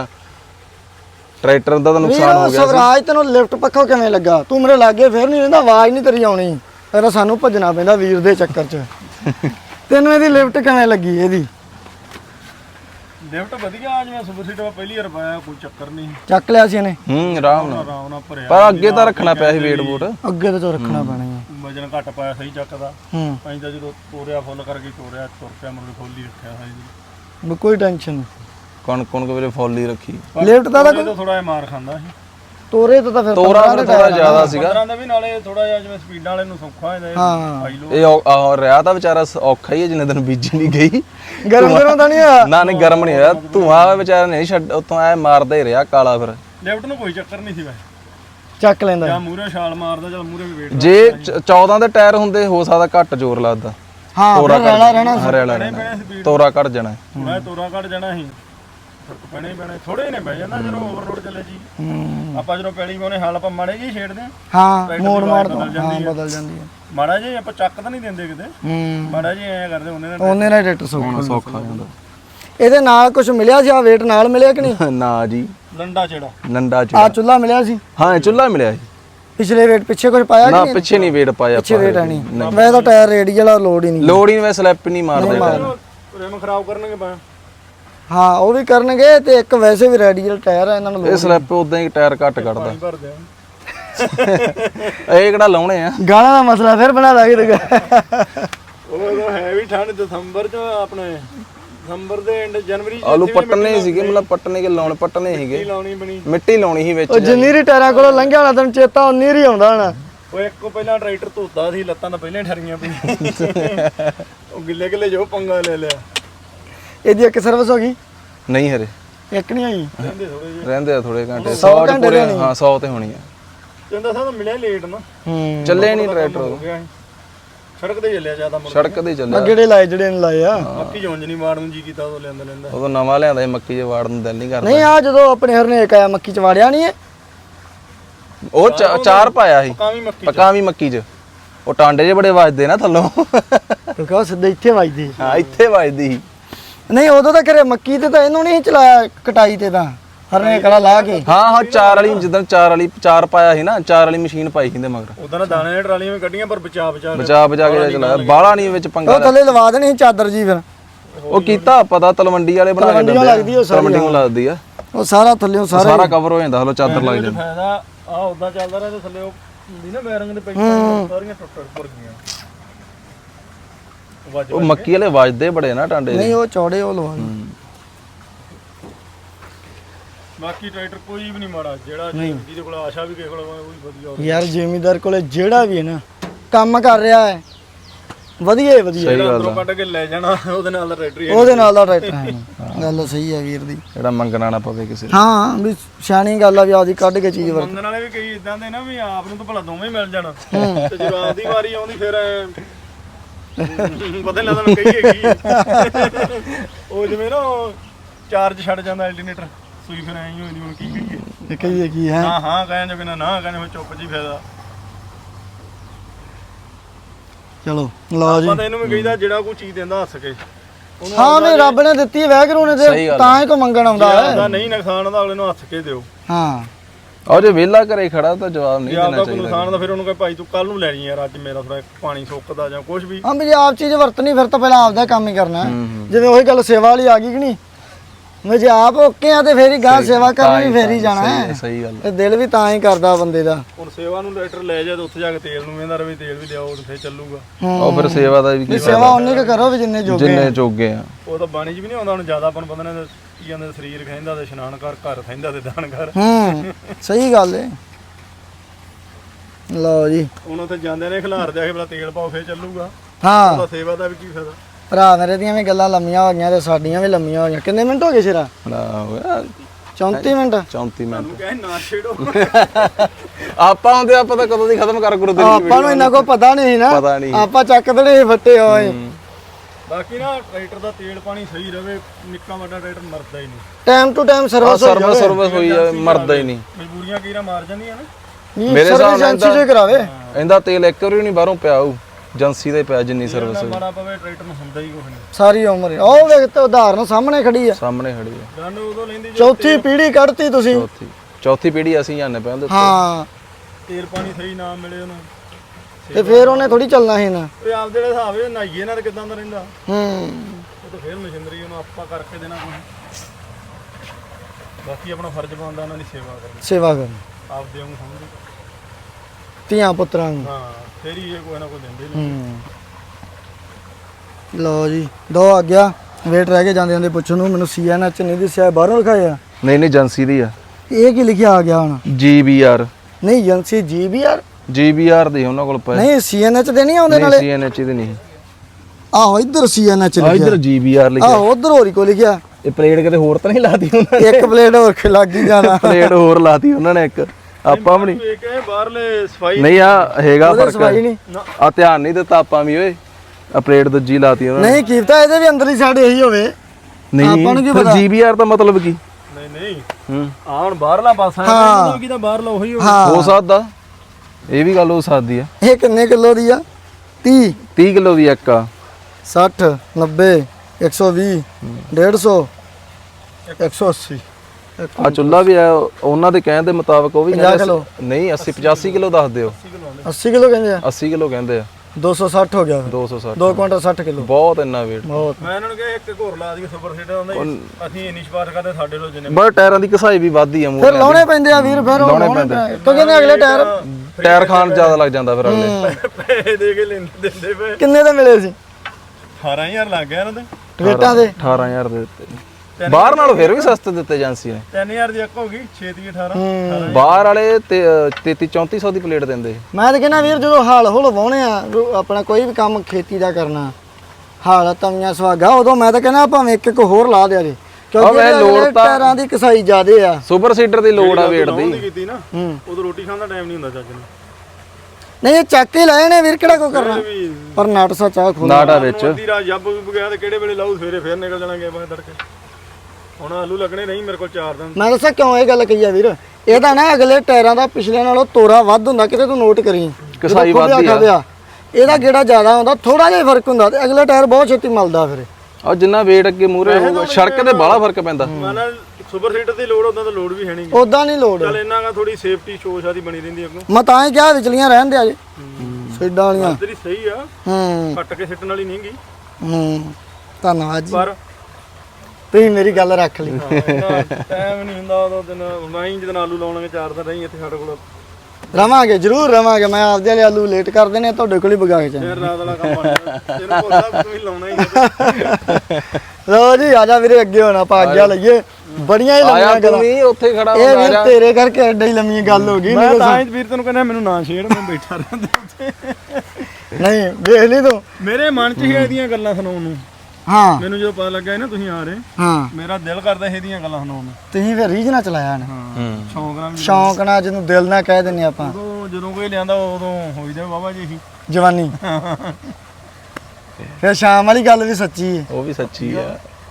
ਟਰੈਕਟਰ ਦਾ ਤਾਂ ਨੁਕਸਾਨ ਹੋ ਗਿਆ।
ਸਵਰਾਜ ਤੈਨੂੰ ਲਿਫਟ ਪੱਖੋਂ ਕਿਵੇਂ ਲੱਗਾ? ਤੂੰ ਮੇਰੇ ਲਾਗੇ ਫੇਰ ਨਹੀਂ ਰਹਿੰਦਾ, ਆਵਾਜ਼ ਨਹੀਂ ਤੇਰੀ ਆਉਣੀ, ਫਿਰ ਸਾਨੂੰ ਭੱਜਣਾ ਪੈਂਦਾ ਵੀਰ ਦੇ ਚੱਕਰ 'ਚ। ਤੈਨੂੰ ਇਹਦੀ ਲਿਫਟ ਕਿਵੇਂ ਲੱਗੀ? ਇਹਦੀ
ਲਿਫਟ ਵਧੀਆ ਜਿਵੇਂ ਸੁਪਰ ਸੀਟਰ ਪਹਿਲੀ ਵਾਰ ਪਾਇਆ ਕੋਈ ਚੱਕਰ ਨਹੀਂ
ਚੱਕ ਲਿਆ ਸੀ ਇਹਨੇ
ਆਰਾਮ ਨਾਲ
ਆਰਾਮ ਨਾਲ ਭਰਿਆ
ਪਰ ਅੱਗੇ ਤਾਂ ਰੱਖਣਾ ਪਿਆ ਸੀ ਵੇਟ ਬੂਟ
ਅੱਗੇ ਤੇ ਰੱਖਣਾ ਪੈਣਾ ਹੈ
ਵਜਨ ਘੱਟ ਪਾਇਆ ਸਹੀ ਚੱਕਦਾ
ਹੂੰ
ਅਸੀਂ ਤਾਂ ਜਦੋਂ ਤੋਰਿਆ ਫੁੱਲ ਕਰਕੇ ਤੋਰਿਆ ਤੁਰ ਪਿਆ ਮੁਰਗੇ ਖੋਲੀ ਰੱਖਿਆ ਹੋਇਆ ਜੀ
ਵੀ ਕੋਈ ਟੈਨਸ਼ਨ ਨਹੀਂ
ਕਣਕ ਵੇਲੇ ਫੁੱਲ ਹੀ ਰੱਖੀ
ਲਿਫਟ ਦਾ
ਤਾਂ ਥੋੜਾ ਜਿਹਾ ਮਾਰ ਖਾਂਦਾ ਸੀ
ਤੋਰੇ ਤੋਂ ਤਾਂ ਫਿਰ
ਤੋਰਾ ਫਿਰ ਥੋੜਾ ਜ਼ਿਆਦਾ ਸੀਗਾ
15 ਦਾ ਵੀ ਨਾਲੇ ਥੋੜਾ ਜਿਹਾ ਜਿਵੇਂ ਸਪੀਡਾਂ ਵਾਲੇ ਨੂੰ ਸੌਖਾ ਹੁੰਦਾ
ਹਾਂ
ਪਾਈ ਲੋ
ਇਹ ਰਿਹਾ ਤਾਂ ਵਿਚਾਰਾ ਔਖਾ ਹੀ ਹੈ ਜਿੰਨੇ ਦਿਨ ਬੀਜੀ ਨਹੀਂ ਗਈ
ਗਰਮ ਤਾਂ ਨਹੀਂ ਆ
ਨਾ ਨਹੀਂ ਗਰਮ ਨਹੀਂ ਹੋਇਆ ਧੂਆਂ ਵਿਚਾਰਾ ਨਹੀਂ ਛੱਡ ਉਤੋਂ ਐ ਮਾਰਦਾ ਹੀ ਰਿਹਾ ਕਾਲਾ ਫਿਰ
ਲਿਫਟ ਨੂੰ ਕੋਈ ਚੱਕਰ ਨਹੀਂ ਸੀ ਵੈਸੇ
ਚੱਕ ਲੈਂਦਾ
ਜਾਂ ਮੂਰੇ ਛਾਲ ਮਾਰਦਾ ਚਲ ਮੂਰੇ ਵੀ ਵੇਟ
ਜੇ 14 ਦੇ ਟਾਇਰ ਹੁੰਦੇ ਹੋ ਸਕਦਾ ਘੱਟ ਜ਼ੋਰ ਲੱਗਦਾ
ਹਾਂ
ਤੋਰਾ
ਰੈਲਾ ਰਹਿਣਾ
ਹਰਿਆਲਾ ਰਹਿਣਾ ਤੋਰਾ ਘਟ ਜਾਣਾ
ਮੈਂ ਤੋਰਾ ਘਟ ਜਾਣਾ ਸੀ ਫਰਕ ਪੈਣੇ ਹੀ ਪੈਣੇ ਥੋੜੇ ਨੇ ਬਹਿ ਜਾਂਦਾ ਜਦੋਂ ਓਵਰਲੋਡ ਚੱਲੇ ਜੀ ਆਪਾਂ ਜਦੋਂ ਪੈਲੀ ਪਾਉਨੇ ਹਲ ਆਪਾਂ ਮਾੜੇ ਜੀ ਛੇੜਦੇ ਆ
ਹਾਂ ਮੋੜ ਮਾਰ ਦੋ ਹਾਂ ਬਦਲ ਜਾਂਦੀ ਹੈ
ਮਾੜਾ ਜੀ ਆਪਾਂ ਚੱਕ ਤਾਂ ਨਹੀਂ ਦਿੰਦੇ ਕਿਤੇ ਮਾੜਾ ਜੀ ਐ ਕਰਦੇ
ਉਹਨੇ ਨਾਲ ਟਰੈਕਟਰ ਸੌਖਾ
ਸੌਖਾ ਜਾਂਦਾ
ਇਹਦੇ ਨਾਲ ਕੁਝ ਮਿਲਿਆ ਸੀ ਆ ਵੇਟ ਨਾਲ ਮਿਲਿਆ ਕਿ ਨਹੀਂ
ਨਾ ਜੀ
ਲੰਡਾ ਚੜਾ
ਨੰਡਾ
ਆ
ਚੁੱਲਾ
ਚੁੱਲਾ ਮਿਲਿਆ ਸੀ
ਹਾਂ ਚੁੱਲਾ ਮਿਲਿਆ ਸੀ
ਪਿਛਲੇ ਵੇਟ ਪਿੱਛੇ ਕੁਝ ਪਾਇਆ
ਨਾ
ਕਿ
ਪਿੱਛੇ ਨਹੀਂ ਵੇਟ ਪਾਇਆ
ਪਿੱਛੇ ਵੇਟ ਨਹੀਂ ਵੈਸੇ ਤਾਂ ਟਾਇਰ ਰੇਡੀ ਵਾਲਾ ਲੋਡ ਹੀ ਨਹੀਂ
ਲੋੜ ਹੀ ਨਹੀਂ ਸਲਿੱਪ ਨਹੀਂ ਮਾਰਦੇ
ਰਿਮ ਖਰਾਬ ਕਰਨਗੇ ਪਾ
ਹਾਂ ਉਹ ਵੀ ਕਰਨਗੇ ਤੇ ਇੱਕ ਵੈਸੇ ਵੀ ਰੇਡੀਅਲ ਟਾਇਰ ਆ ਇਹਨਾਂ ਨੂੰ
ਇਹ ਸਲਿੱਪ ਉਦਾਂ ਹੀ ਟਾਇਰ ਘੱਟ ਕੱਢਦਾ
ਭਰਦੇ ਆ
ਇਹ ਕਿਹੜਾ ਲਾਉਣੇ ਆ
ਗਾਲਾਂ ਦਾ ਮਸਲਾ ਫਿਰ ਬਣਾ ਲਾਂਗੇ ਤੇ
ਉਹ ਹੈ ਵੀ ਠੰਡ ਦਸੰਬਰ ਚ ਆਪਣੇ ਦਸੰਬਰ ਦੇ ਐਂਡ ਜਨਵਰੀ
ਆਲੂ ਪੱਟਨੇ ਸੀਗੇ ਮਤਲਬ ਪੱਟਨੇ ਕੇ ਲਾਉਣੇ ਪੱਟਨੇ ਸੀਗੇ
ਲਾਉਣੀ ਬਣੀ
ਮਿੱਟੀ ਲਾਉਣੀ ਸੀ ਵਿੱਚ
ਉਹ ਜਿੰਨੀ ਰੀ ਟਾਇਰਾਂ ਕੋਲੋਂ ਲੰਘਿਆ ਹੋਣਾ ਤੈਨੂੰ ਚੇਤਾ ਉਨੀ ਰੀ ਆਉਂਦਾ ਹੋਣਾ
ਉਹ ਇੱਕ ਪਹਿਲਾਂ ਟਰੈਕਟਰ ਧੋਤਾ ਸੀ ਲੱਤਾਂ ਤਾਂ ਪਹਿਲਾਂ ਹੀ ਠਰੀਆਂ ਪਈਆਂ ਉਹ ਗਿੱਲੇ ਗਿੱਲੇ ਜੋ ਪੰਗਾ ਲੈ ਲਿਆ
ਇਹਦੀ ਇੱਕ ਸਰਵਿਸ ਹੋ ਗਈ
ਨਹੀਂ ਹਰੇ
ਇੱਕ ਨਹੀਂ ਆਈ
ਕਹਿੰਦੇ ਥੋੜੇ ਜਿਹੇ
ਰਹਿੰਦੇ ਆ ਥੋੜੇ ਘੰਟੇ
100
100
ਘੰਟੇ
ਪੂਰੇ ਹਾਂ 100 ਤੇ ਹੋਣੀ ਆ
ਚੰਦਾ ਸਾਹਿਬ ਮਿਲਿਆ ਲੇਟ ਨਾ
ਚੱਲੇ ਨਹੀਂ ਟਰੈਕਟਰ
ਹੋ ਗਿਆ ਸੀ। ਸੜਕ ਤੇ ਚੱਲਿਆ ਜਿਆਦਾ ਮੁੜ
ਸੜਕ ਤੇ ਚੱਲਿਆ
ਗੇੜੇ ਲਾਏ ਜਿਹੜੇ ਨੇ ਲਾਏ ਆ
ਮੱਕੀ ਜੋਂਜ ਨਹੀਂ ਮਾਰਨ ਨੂੰ ਜੀ ਕੀਤਾ ਉਹ ਲੈਂਦਾ
ਉਦੋਂ ਨਵਾਂ ਲਿਆਂਦਾ ਸੀ ਮੱਕੀ ਦੇ ਵਾੜ ਨੂੰ ਦਿਲ ਨਹੀਂ ਕਰਦਾ
ਨਹੀਂ ਆ ਜਦੋਂ ਆਪਣੇ ਹਰਨੇਕ ਆਇਆ ਮੱਕੀ ਚ ਵਾੜਿਆ ਨਹੀਂ ਇਹ
ਉਹ ਚਾਰ ਪਾਇਆ ਸੀ
ਕਾਵੀ ਮੱਕੀ
ਪਕਾਵੀ ਮੱਕੀ 'ਚ ਉਹ ਟਾਂਡੇ ਜੇ ਬੜੇ ਵੱਜਦੇ ਨਾ ਥੱਲੋਂ
ਕਿਉਂਕਿ ਉਹ ਸਿੱਧੇ ਇੱਥੇ ਵੱਜਦੀ
ਹਾਂ ਇੱਥੇ ਵੱਜਦੀ ਸੀ
ਨਹੀਂ ਉਦੋਂ ਤਾਂ ਘਰੇ ਮੱਕੀ ਤੇ ਤਾਂ ਇਹਨੂੰ ਨਹੀਂ ਚਲਾਇਆ ਕਟਾਈ ਤੇ ਤਾਂ ਹਰਨੇਕ ਵਾਲਾ ਲਾ ਕੇ
ਹਾਂ ਚਾਰ ਵਾਲੀ ਜਿੱਦਾਂ ਚਾਰ ਪਾਇਆ ਸੀ ਨਾ ਚਾਰ ਵਾਲੀ ਮਸ਼ੀਨ ਪਾਈ ਸੀ ਇਹਦੇ ਮਗਰ
ਉਦਾਂ ਨਾ ਦਾਣੇ ਦੀਆਂ ਟਰਾਲੀਆਂ ਵੀ ਕੱਢੀਆਂ ਪਰ ਬਚਾ
ਬਚਾ ਕੇ ਚਲਾਇਆ ਬਾਹਲਾ ਨਹੀਂ ਵਿੱਚ ਪੰਗਾ
ਉਹ ਥੱਲੇ ਲਵਾ ਦੇਣੀ ਸੀ ਚਾਦਰ ਜੀ ਫਿਰ
ਉਹ ਕੀਤਾ ਪਤਾ ਤਲਵੰਡੀ ਵਾਲੇ ਬਣਾ ਕੇ ਦਿੰਦੇ
ਲੱਗਦੀ ਉਹ ਸਾਰੀ
ਤਲਵੰਡੀ ਨੂੰ ਲੱਗਦੀ ਆ
ਉਹ ਸਾਰਾ ਥੱਲੇ
ਸਾਰਾ ਕਵਰ ਹੋ ਜਾਂਦਾ ਹਲੋ ਚਾਦਰ ਲੱਗ ਜਾਂਦੀ
ਫਾਇਦਾ ਆ ਉਦਾਂ ਚੱਲਦਾ ਰਿਹਾ ਤੇ ਥੱਲੇ ਉਹ ਹੁੰਦੀ ਨਾ ਬੈਰਿੰਗ ਦੇ ਪੈਂਟਾਂ ਸਾਰੀਆਂ ਟੁੱਟ ਗਈਆਂ
ਉਹ ਮੱਕੀ ਵਾਲੇ ਵੱਜਦੇ ਬੜੇ ਨਾ ਟਾਂਡੇ
ਨਹੀਂ ਉਹ ਚੌੜੇ ਉਹ ਲਵਾ
ਬਾਕੀ ਟਰੈਕਟਰ ਕੋਈ ਵੀ ਨਹੀਂ ਮਾੜਾ ਜਿਹੜਾ ਜਿਹਦੇ ਕੋਲ ਆਸ਼ਾ ਵੀ ਕਿਸੇ ਕੋਲ ਉਹ ਵੀ ਵਧੀਆ
ਯਾਰ ਜ਼ਿਮੀਂਦਾਰ ਕੋਲੇ ਜਿਹੜਾ ਵੀ ਹੈ ਨਾ ਕੰਮ ਕਰ ਰਿਹਾ ਹੈ ਵਧੀਆ ਹੀ ਵਧੀਆ
ਸਹੀ ਗੱਲ
ਕੱਢ ਕੇ ਲੈ ਜਾਣਾ ਉਹਦੇ ਨਾਲ ਦਾ ਟਰੈਕਟਰ ਹੀ
ਉਹਦੇ ਨਾਲ ਦਾ ਟਰੈਕਟਰ ਹੈ ਗੱਲ ਸਹੀ ਹੈ ਵੀਰ ਦੀ
ਜਿਹੜਾ ਮੰਗਣਾ ਨਾ ਪਵੇ ਕਿਸੇ
ਹਾਂ ਵੀ ਸਿਆਣੀ ਗੱਲ ਆ ਵੀ ਆਪਦੀ ਕੱਢ ਕੇ ਚੀਜ਼ ਵਰਤ
ਮੰਗਣ ਵਾਲੇ ਵੀ ਕਈ ਇਦਾਂ ਦੇ ਨਾ ਵੀ ਆਪ ਨੂੰ ਤਾਂ ਭਲਾ ਦੋਵੇਂ ਹੀ ਮਿਲ ਜਾਣ ਤੇ ਜਦੋਂ ਆਪਦੀ ਵਾਰੀ ਆਉਂਦੀ ਫਿਰ ਪਤਾ ਨਹੀਂ ਲੱਗਦਾ ਮੈਂ ਕਹੀ ਹੈਗੀ ਉਹ ਜਿਵੇਂ ਨਾ ਚਾਰਜ ਛੱਡ ਜਾਂਦਾ ਅਲਟਰਨੇਟਰ ਸੂਈ ਫਿਰ ਐਂ ਹੀ ਹੋਣੀ ਹੁਣ ਕੀ ਕਹੀਏ
ਕਹੀਏ ਕੀ ਹੈ
ਹਾਂ ਕਹਿਣ ਜੋ ਕਿ ਨਾ ਕਹਿੰਦੇ ਫਿਰ ਚੁੱਪ ਜੀ ਫਾਇਦਾ
ਚਲੋ ਲਓ ਜੀ
ਆਪਾਂ ਤਾਂ ਇਹਨੂੰ ਵੀ ਕਹੀਦਾ ਜਿਹੜਾ ਕੋਈ ਚੀਜ਼ ਦਿੰਦਾ ਹੱਸ ਕੇ
ਹਾਂ ਵੀ ਰੱਬ ਨੇ ਦਿੱਤੀ ਹੈ ਵੈਗਰੂ ਨੇ ਤੇ ਤਾਂ ਹੀ ਕੋ ਮੰਗਣ ਆਉਂਦਾ ਹੈ
ਉਹਦਾ ਨਹੀਂ ਨੁਕਸਾਨ ਹੁੰਦਾ ਅਗਲੇ ਨੂੰ ਹੱਸ ਕੇ ਦਿਓ
ਹਾਂ
ਉਹ ਜੇ ਵਿਹਲਾ ਘਰੇ ਖੜਾ ਤਾਂ ਜਵਾਬ ਨਹੀਂ ਦੇਣਾ
ਕੋਈ
ਚਾਹੀਦਾ
ਨੁਕਸਾਨ ਦਾ ਫਿਰ ਉਹਨੂੰ ਕਹੇ ਭਾਈ ਤੂੰ ਕੱਲ ਨੂੰ ਲੈਣੀ ਯਾਰ ਅੱਜ ਮੇਰਾ ਥੋੜਾ ਪਾਣੀ ਸੁੱਕਦਾ ਜਾਂ ਕੁਝ ਵੀ
ਹਾਂ ਵੀ ਜੇ ਆਪ ਚੀਜ਼ ਵਰਤਣੀ ਫਿਰ ਤਾਂ ਪਹਿਲਾਂ ਆਪਦਾ ਕੰਮ ਹੀ ਕਰਨਾ ਜਿਵੇਂ ਉਹੀ ਗੱਲ ਸੇਵਾ ਵਾਲੀ ਆ ਗਈ ਕਿ ਨਹੀਂ ਮੈਂ ਜੇ ਆਪ ਓਕੇ ਆ ਤੇ ਫੇਰ ਹੀ ਗਾਂ ਸੇਵਾ ਕਰਨੀ ਫੇਰ ਹੀ ਜਾਣਾ ਹੈ
ਸਹੀ ਗੱਲ
ਤੇ ਦਿਲ ਵੀ ਤਾਂ ਹੀ ਕਰਦਾ ਬੰਦੇ ਦਾ
ਹੁਣ ਸੇਵਾ ਨੂੰ ਲੈਟਰ ਲੈ ਜਾ ਤੇ ਉੱਥੇ ਜਾ ਕੇ ਤੇਲ ਨੂੰ ਵੇਂਦਾ ਰਵੇ ਤੇਲ ਵੀ ਲਿਆਓ ਤੇ ਫੇਰ ਚੱਲੂਗਾ
ਉਹ ਫਿਰ ਸੇਵਾ ਦਾ ਵੀ ਕੀ
ਸੇਵਾ ਉਨੀ ਕੁ ਕਰੋ ਵੀ ਜਿੰਨੇ ਜੋਗੇ
ਜਿੰਨੇ ਜੋਗੇ ਆ
ਉਹ ਤਾਂ ਬਾਣੀ 'ਚ ਵੀ ਨਹੀਂ ਆਉਂਦਾ ਹੁਣ ਜ਼ਿਆਦਾ ਆਪਾਂ ਨੂੰ ਪਤਾ ਨੇ ਕੀ ਜਾਂਦੇ ਸਰੀਰ ਖੈਂਦਾ ਤੇ ਇਸ਼ਨਾਨ ਕਰ ਘਰ ਖੈਂਦਾ ਤੇ ਦਾਨ ਕਰ
ਸਹੀ ਗੱਲ ਏ ਲਓ ਜੀ
ਹੁਣ ਉੱਥੇ ਜਾਂਦੇ ਨੇ ਖਿਲਾਰ ਦੇ ਆ ਕੇ ਬਲਾ ਤੇਲ ਪਾਓ ਫੇਰ ਚੱਲੂਗਾ
ਹਾਂ
ਉਹਦਾ ਸੇਵਾ ਦਾ ਵੀ ਕੀ ਫਾਇਦਾ
ਭਰਾ ਮੇਰੇ ਦੀਆਂ ਵੀ ਗੱਲਾਂ ਲੰਮੀਆਂ ਹੋ ਗਈਆਂ ਤੇ ਸਾਡੀਆਂ ਵੀ ਲੰਮੀਆਂ ਹੋ ਗਈਆਂ ਕਿੰਨੇ ਮਿੰਟ ਹੋ ਗਏ ਸਿਰਾ
ਹੋਇਆ
34 ਮਿੰਟ
34 ਮਿੰਟ
ਕਹੇ ਨਾ ਛੇੜੋ
ਆਪਾਂ ਹੁੰਦੇ ਆਪਾਂ ਤਾਂ ਕਦੋਂ ਦੀ ਖਤਮ ਕਰ ਗੁਰੂ ਤੇਰੀ
ਆਪਾਂ ਨੂੰ ਇੰਨਾ ਕੋ ਪਤਾ ਨਹੀਂ ਨਾ
ਪਤਾ ਨਹੀਂ
ਆਪਾਂ ਚੱਕ ਦੜੇ ਫੱਟੇ ਹੋਏ
ਬਾਕੀ ਨਾ ਟਰੈਕਟਰ ਦਾ ਤੇਲ ਪਾਣੀ ਸਹੀ ਰਵੇ ਨਿੱਕਾ ਵੱਡਾ ਟਰੈਕਟਰ ਮਰਦਾ ਹੀ ਨਹੀਂ
ਟਾਈਮ ਟੂ ਟਾਈਮ
ਸਰਵਿਸ ਹੋਈ ਆ ਮਰਦਾ ਹੀ ਨਹੀਂ
ਮਜਬੂਰੀਆਂ ਕੀਰਾ ਮਾਰ ਜਾਂਦੀਆਂ ਨੇ
ਮੇਰੇ ਹਿਸਾਬ ਨਾਲ ਏਜੰਸੀ ਕਰਾਵੇ
ਇਹਦਾ ਤੇਲ ਇੱਕ ਵਾਰੀ ਨਹੀਂ ਬਾਹਰੋਂ ਪਿਆ ਹੋਊ ਏਜੰਸੀ ਦਾ ਪਿਆ ਜਿੰਨੀ ਸਰਵਿਸ ਹੋਈ
ਮਾੜਾ ਪਵੇ ਟਰੈਕਟਰ ਨੂੰ ਹੁੰਦਾ ਹੀ ਕੁਝ ਨਹੀਂ
ਸਾਰੀ ਉਮਰ ਉਹ ਵੇਖ ਤੇ ਉਦਾਹਰਨ ਸਾਹਮਣੇ ਖੜੀ ਆ
ਸਾਹਮਣੇ ਖੜੀ ਆ
ਗੰਨ ਉਦੋਂ ਲੈਂਦੀ
ਚੌਥੀ ਪੀੜ੍ਹੀ ਕੱਢਤੀ ਤੁਸੀਂ
ਚੌਥੀ ਪੀੜ੍ਹੀ ਅਸੀਂ ਜਾਂਦੇ ਪਏ ਉਹਦੇ
ਹਾਂ
ਤੇਲ ਪਾਣੀ ਸਹੀ ਨਾ ਮਿਲੇ ਉਹਨੂੰ
ਤੇ ਫੇਰ ਉਹਨੇ ਥੋੜੀ ਚੱਲਣਾ ਸੀ ਨਾ
ਇਹ ਆਪ ਜਿਹੜੇ ਹਿਸਾਬ ਇਹ ਨਾਈਏ ਨਾਲ ਕਿਦਾਂ ਦਾ ਰਹਿੰਦਾ ਉਹ ਤਾਂ ਫੇਰ ਮਸ਼ੀਨਰੀ ਉਹਨੂੰ ਆਪਾਂ ਕਰਕੇ ਦੇਣਾ ਕੁਝ। ਬਾਕੀ ਆਪਣਾ ਫਰਜ਼ ਬਣਦਾ ਉਹਨਾਂ ਦੀ ਸੇਵਾ ਕਰਨੀ,
ਸੇਵਾ ਕਰਨ
ਆਪਦੇ ਵਾਂਗੂ ਸਮਝੋ।
ਧੀਆਂ ਪੁੱਤਰਾਂ ਨੂੰ।
ਹਾਂ ਫੇਰ ਹੀ ਇਹ ਕੋਈ ਨਾ ਕੋਈ ਦਿੰਦੇ ਨੇ।
ਲਓ ਜੀ ਦੋ ਆ ਗਿਆ, ਵੇਟ ਰਹਿ ਕੇ ਜਾਂਦੇ ਜਾਂਦੇ ਪੁੱਛਣ ਨੂੰ, ਮੈਨੂੰ CNH ਨਹੀਂ ਦਿਸਿਆ, ਬਾਹਰੋਂ ਲਿਖਾਇਆ।
ਨਹੀਂ ਏਜੰਸੀ ਦੀ ਆ।
ਇਹ ਕੀ ਲਿਖਿਆ ਆ ਗਿਆ ਹੁਣ?
GBR।
ਨਹੀਂ ਏਜੰਸੀ GBR
ਦੀ ਉਹਨਾਂ ਕੋਲ ਪਏ।
ਨਹੀਂ CNH ਦੇ ਨਹੀਂ ਆਉਂਦੇ ਨਾਲੇ?
CNH ਦੇ ਨਹੀਂ।
ਆਹੋ ਇੱਧਰ CNH ਲਿਖਿਆ,
ਇੱਧਰ GBR ਲਿਖਿਆ।
ਆਹੋ ਉਧਰ ਹੋਰ ਹੀ ਕੋ ਲਿਖਿਆ।
ਇਹ ਪਲੇਟ ਕਿਤੇ ਹੋਰ ਤਾਂ ਨਹੀਂ ਲਾਤੀ ਉਹਨਾਂ ਨੇ?
ਇੱਕ ਪਲੇਟ ਹੋਰ ਲੱਗ ਹੀ ਜਾਣਾ।
ਪਲੇਟ ਹੋਰ ਲਾਤੀ ਉਹਨਾਂ ਨੇ ਇੱਕ। ਆਪਾਂ ਵੀ ਨਹੀਂ
ਵੇਖ ਕੇ ਬਾਹਰਲੇ ਸਫਾਈ
ਨਹੀਂ ਆ ਹੈਗਾ ਫਰਕ।
ਸਫਾਈ ਨਹੀਂ
ਆ ਧਿਆਨ ਨਹੀਂ ਦਿੱਤਾ ਆਪਾਂ ਵੀ ਓਏ। ਆ ਪਲੇਟ ਦੂਜੀ ਲਾਤੀ ਉਹਨਾਂ ਨੇ।
ਨਹੀਂ ਕੀਤਾ, ਇਹਦੇ ਵੀ ਅੰਦਰ ਹੀ ਸਾਈਡ ਇਹੀ ਹੋਵੇ। ਆਪਾਂ ਨੂੰ ਕੀ
ਫਿਰ
ਪਤਾ?
GBR ਦਾ ਮਤਲਬ ਕੀ?
ਨਹੀਂ ਆਉਣ ਬਾਹਰਲਾ ਪਾਸਾ ਹੈ ਕਿ ਤਾਂ ਬਾਹਰਲਾ ਉਹੀ
ਹੋ ਸਕਦਾ, ਇਹ ਵੀ ਗੱਲ ਹੋ ਸਕਦੀ ਆ।
ਇਹ ਕਿੰਨੇ ਕਿਲੋ ਦੀ ਆ?
30 ਕਿਲੋ ਦੀ ਇੱਕ ਆ।
60 90 120 150 180।
ਆ ਚੁੱਲਾ ਵੀ ਆ ਉਹਨਾਂ ਦੇ ਕਹਿਣ ਦੇ ਮੁਤਾਬਕ। ਉਹ ਵੀ
50 ਕਿਲੋ
ਨਹੀਂ 80 85 ਕਿਲੋ ਦੱਸ ਦਿਓ।
80 ਕਿਲੋ ਕਹਿੰਦੇ ਆ।
80 ਕਿਲੋ ਕਹਿੰਦੇ ਆ।
260 ਹੋ ਗਿਆ ਫਿਰ।
260
2 ਕੁਇੰਟਲ 60 ਕਿਲੋ।
ਬਹੁਤ ਇੰਨਾ weight।
ਬਹੁਤ।
ਮੈਂ ਇਹਨਾਂ ਨੂੰ ਕਿਹਾ ਇੱਕ ਹੋਰ ਲਾ ਦਈਏ ਸੁਪਰ ਸੀਡਰ ਹੁੰਦਾ ਅਸੀਂ ਇੰਨੀ ਸਪਾਰ ਕਰਦੇ ਸਾਡੇ ਲੋ ਜਿੰਨੇ।
ਬਸ ਟਾਇਰਾਂ ਦੀ ਘਸਾਈ ਵੀ ਵੱਧਦੀ ਆ ਮੂੰਹ।
ਫਿਰ ਲਾਉਣੇ ਪੈਂਦੇ ਆ ਵੀਰ, ਫਿਰ
ਲਾਉਣੇ ਪੈਂਦੇ
ਕਿਉਂਕਿ ਇਹਨੇ ਅਗਲੇ
ਟਾਇਰ ਖਾਣ ਜ਼ਿਆਦਾ ਲੱਗ ਜਾਂਦਾ ਫਿਰ ਅਗਲੇ।
ਪੈਸੇ ਦੇ ਕੇ ਲੈਂਦੇ ਦਿੰਦੇ ਪਏ।
ਕਿੰਨੇ ਦੇ ਮਿਲੇ ਸੀ?
18000 ਲੱਗ ਗਿਆ ਇਹਨਾਂ ਦੇ
ਰੇਟਾਂ ਦੇ।
18000 ਦੇ ਦਿੱਤੇ। ਬਾਹਰ ਨਾਲੋਂ ਫਿਰ ਵੀ ਸਸਤੇ ਦਿੱਤੇ ਏਜੰਸੀ ਨੇ।
3000 ਦੀ ਇੱਕ ਹੋ ਗਈ 6 ਦੀ 18।
ਬਾਹਰ ਵਾਲੇ 33 3400 ਦੀ ਪਲੇਟ ਦਿੰਦੇ।
ਮੈਂ ਤਾਂ ਕਹਿੰਦਾ ਵੀਰ ਜਦੋਂ ਹਾਲ ਹੁਲ ਵਾਹੁਣੇ ਆ, ਆਪਣਾ ਕੋਈ ਵੀ ਕੰਮ ਖੇਤੀ ਦਾ ਕਰਨਾ, ਹਾਲ ਤਵੀਆਂ ਸੁਹਾਗਾ, ਉਦੋਂ ਮੈਂ ਤਾਂ ਕਹਿੰਦਾ ਭਾਵੇਂ ਇੱਕ ਹੋਰ ਲਾ ਦਿਆ ਜੇ, ਕਿਉਂਕਿ ਲੋੜ ਟਾਇਰਾਂ ਦੀ ਕਸਾਈ ਜ਼ਿਆਦੇ ਆ।
ਸੁਪਰ ਸੀਡਰ ਦੀ ਲੋੜ ਆ weight ਦੀ।
ਕੀਤੀ ਨਾ ਉਦੋਂ ਰੋਟੀ ਖਾਣ ਦਾ ਟਾਈਮ ਨਹੀਂ ਹੁੰਦਾ ਚੱਜ ਨੂੰ।
ਨਹੀਂ ਇਹ ਚੱਕ ਕੇ ਲਾਏ ਨੇ ਵੀਰ, ਕਿਹੜਾ ਕੋ ਕਰਨਾ। ਪਰ ਨਟ ਸੱਚ ਆ ਖੋਲ
ਨਾਟਾ ਵਿੱਚ
ਅੱਧੀ ਰਾਤ ਜੱਬ ਗਿਆ ਤੇ ਕਿਹੜੇ ਵੇਲੇ ਲਾਉ, ਸਵੇਰੇ ਫੇਰ ਨਿਕਲ ਜਾਣਗੇ ਬਾਹਰ ਤੜਕੇ। ਹੁਣ ਆਲੂ ਲੱਗਣੇ ਨਹੀਂ ਮੇਰੇ ਕੋਲ 4 ਦਿਨ।
ਮੈਂ ਦੱਸਾਂ ਕਿਉਂ ਇਹ ਗੱਲ ਕਹੀ ਆ ਵੀਰ, ਇਹਦਾ ਨਾ ਅਗਲੇ ਟਾਇਰਾਂ ਦਾ ਪਿਛਲੇ ਨਾਲੋਂ ਤੋਰਾ ਵੱਧ ਹੁੰਦਾ, ਕਿਤੇ ਤੂੰ ਨੋਟ ਕਰੀ।
ਕਸਾਈ ਵੱਧਦੀ ਆ।
ਇਹਦਾ ਗੇੜਾ ਜ਼ਿਆਦਾ ਹੁੰਦਾ, ਥੋੜਾ ਜਿਹਾ ਫਰਕ ਹੁੰਦਾ, ਤੇ ਅਗਲੇ ਟਾਇਰ ਬਹੁਤ ਛੇਤੀ ਮਲਦਾ ਫਿਰ।
ਔਰ ਜਿੰਨਾ weight ਅੱਗੇ ਮੂਰੇ ਹੋਊਗਾ ਸੜਕ ਤੇ ਬਾਹਲਾ ਫਰਕ ਪੈਂਦਾ।
ਮੈਂ ਨਾਲ ਸੁਪਰ ਸੀਡਰ ਦੀ ਲੋੜ ਉਦਾਂ ਤਾਂ ਲੋੜ ਵੀ ਹੈ ਨਹੀਂ।
ਉਦਾਂ ਨਹੀਂ ਲੋੜ।
ਚੱਲ ਇਹਨਾਂ ਦਾ ਥੋੜੀ ਸੇਫਟੀ ਸ਼ੋਅ ਸ਼ਾਦੀ ਬਣੀ ਰਹਿੰਦੀ ਅੱਗੋਂ।
ਮੈਂ ਤਾਂ ਹੀ ਕਿਹਾ ਵਿਚਲੀਆਂ ਰਹਿਣ ਦੇ ਅਜੇ ਸਾਈਡਾਂ ਵਾਲੀਆਂ।
ਤੇਰੀ ਸਹੀ ਆ, ਕੱਟ ਕੇ ਸਿੱਟਣ ਵਾਲੀ ਨਹੀਂਗੀ।
ਧੰਨਵਾਦ ਜੀ,
ਪਰ
ਤੁਸੀਂ ਮੇਰੀ ਗੱਲ ਰੱਖ ਲਈ।
ਟਾਈਮ ਨਹੀਂ ਹੁੰਦਾ ਉਦੋਂ ਦਿਨ। ਨਹੀਂ ਜਦੋਂ ਆਲੂ ਲਾਉਣਗੇ 4 ਦਿਨ ਰਹੀ ਇੱਥੇ ਸਾਡੇ ਕੋਲ।
ਰਵਾਂਗੇ ਜ਼ਰੂਰ ਰਵਾਂਗੇ। ਮੈਂ ਆਪਦੇ ਵਾਲੇ ਆਲੂ ਲੇਟ ਕਰ ਦੇਣੇ, ਤੁਹਾਡੇ ਕੋਲ ਹੀ ਬਗਾ ਕੇ
ਫਿਰ ਰਾਤ ਵਾਲਾ ਕੰਮ ਆ ਜਾਣਾ। ਇਹਨੂੰ ਭੁੱਲਦਾ ਕੋਈ ਲਾਉਣਾ ਹੀ।
ਲੋ ਜੀ ਆ ਜਾ ਵੀਰੇ, ਅੱਗੇ ਹੋਣਾ ਆਪਾਂ ਆਗਿਆ ਲਈਏ। ਬੜੀਆਂ ਹੀ ਲੰਮੀਆਂ ਗੱਲਾਂ।
ਉੱਥੇ ਖੜਾ
ਇਹ ਵੀਰ ਤੇਰੇ ਕਰਕੇ ਐਡਾ ਹੀ ਲੰਮੀ ਗੱਲ ਹੋ ਗਈ।
ਮੈਂ ਤਾਂ ਵੀਰ ਤੈਨੂੰ ਕਹਿੰਦਾ ਮੈਨੂੰ ਨਾ ਛੇੜ, ਮੈਂ ਬੈਠਾ ਰਹਿੰਦਾ ਉੱਥੇ।
ਨਹੀਂ ਵੇਖ ਲਈ ਤੂੰ,
ਮੇਰੇ ਮਨ 'ਚ ਹੀ ਇਹਦੀਆਂ ਗੱਲਾਂ ਸੁਣਾਉਣ ਨੂੰ।
ਹਾਂ
ਮੈਨੂੰ ਜਦੋਂ ਪਤਾ ਲੱਗਾ ਨਾ ਤੁਸੀਂ ਆ ਰਹੇ,
ਹਾਂ
ਮੇਰਾ ਦਿਲ ਕਰਦਾ ਇਹਦੀਆਂ ਗੱਲਾਂ ਸੁਣਾਉਣ ਨੂੰ।
ਤੁਸੀਂ ਫਿਰ ਰੀਝ ਨਾਲ ਚਲਾਇਆ ਨਾ।
ਸ਼ੌਂਕ ਨਾਲ ਵੀ।
ਸ਼ੌਂਕ ਨਾਲ ਜਿਹਨੂੰ ਦਿਲ ਨਾਲ ਕਹਿ ਦਿੰਨੇ ਆਪਾਂ।
ਉਦੋਂ ਜਦੋਂ ਕੋਈ ਲਿਆਂਦਾ ਉਦੋਂ ਹੋਈ ਜਾਵੇ ਬਾਬਾ ਜੀ ਹੀ
ਜਵਾਨੀ। ਫਿਰ ਸ਼ਾਮ ਵਾਲੀ ਗੱਲ ਵੀ ਸੱਚੀ ਹੈ।
ਉਹ ਵੀ ਸੱਚੀ ਆ।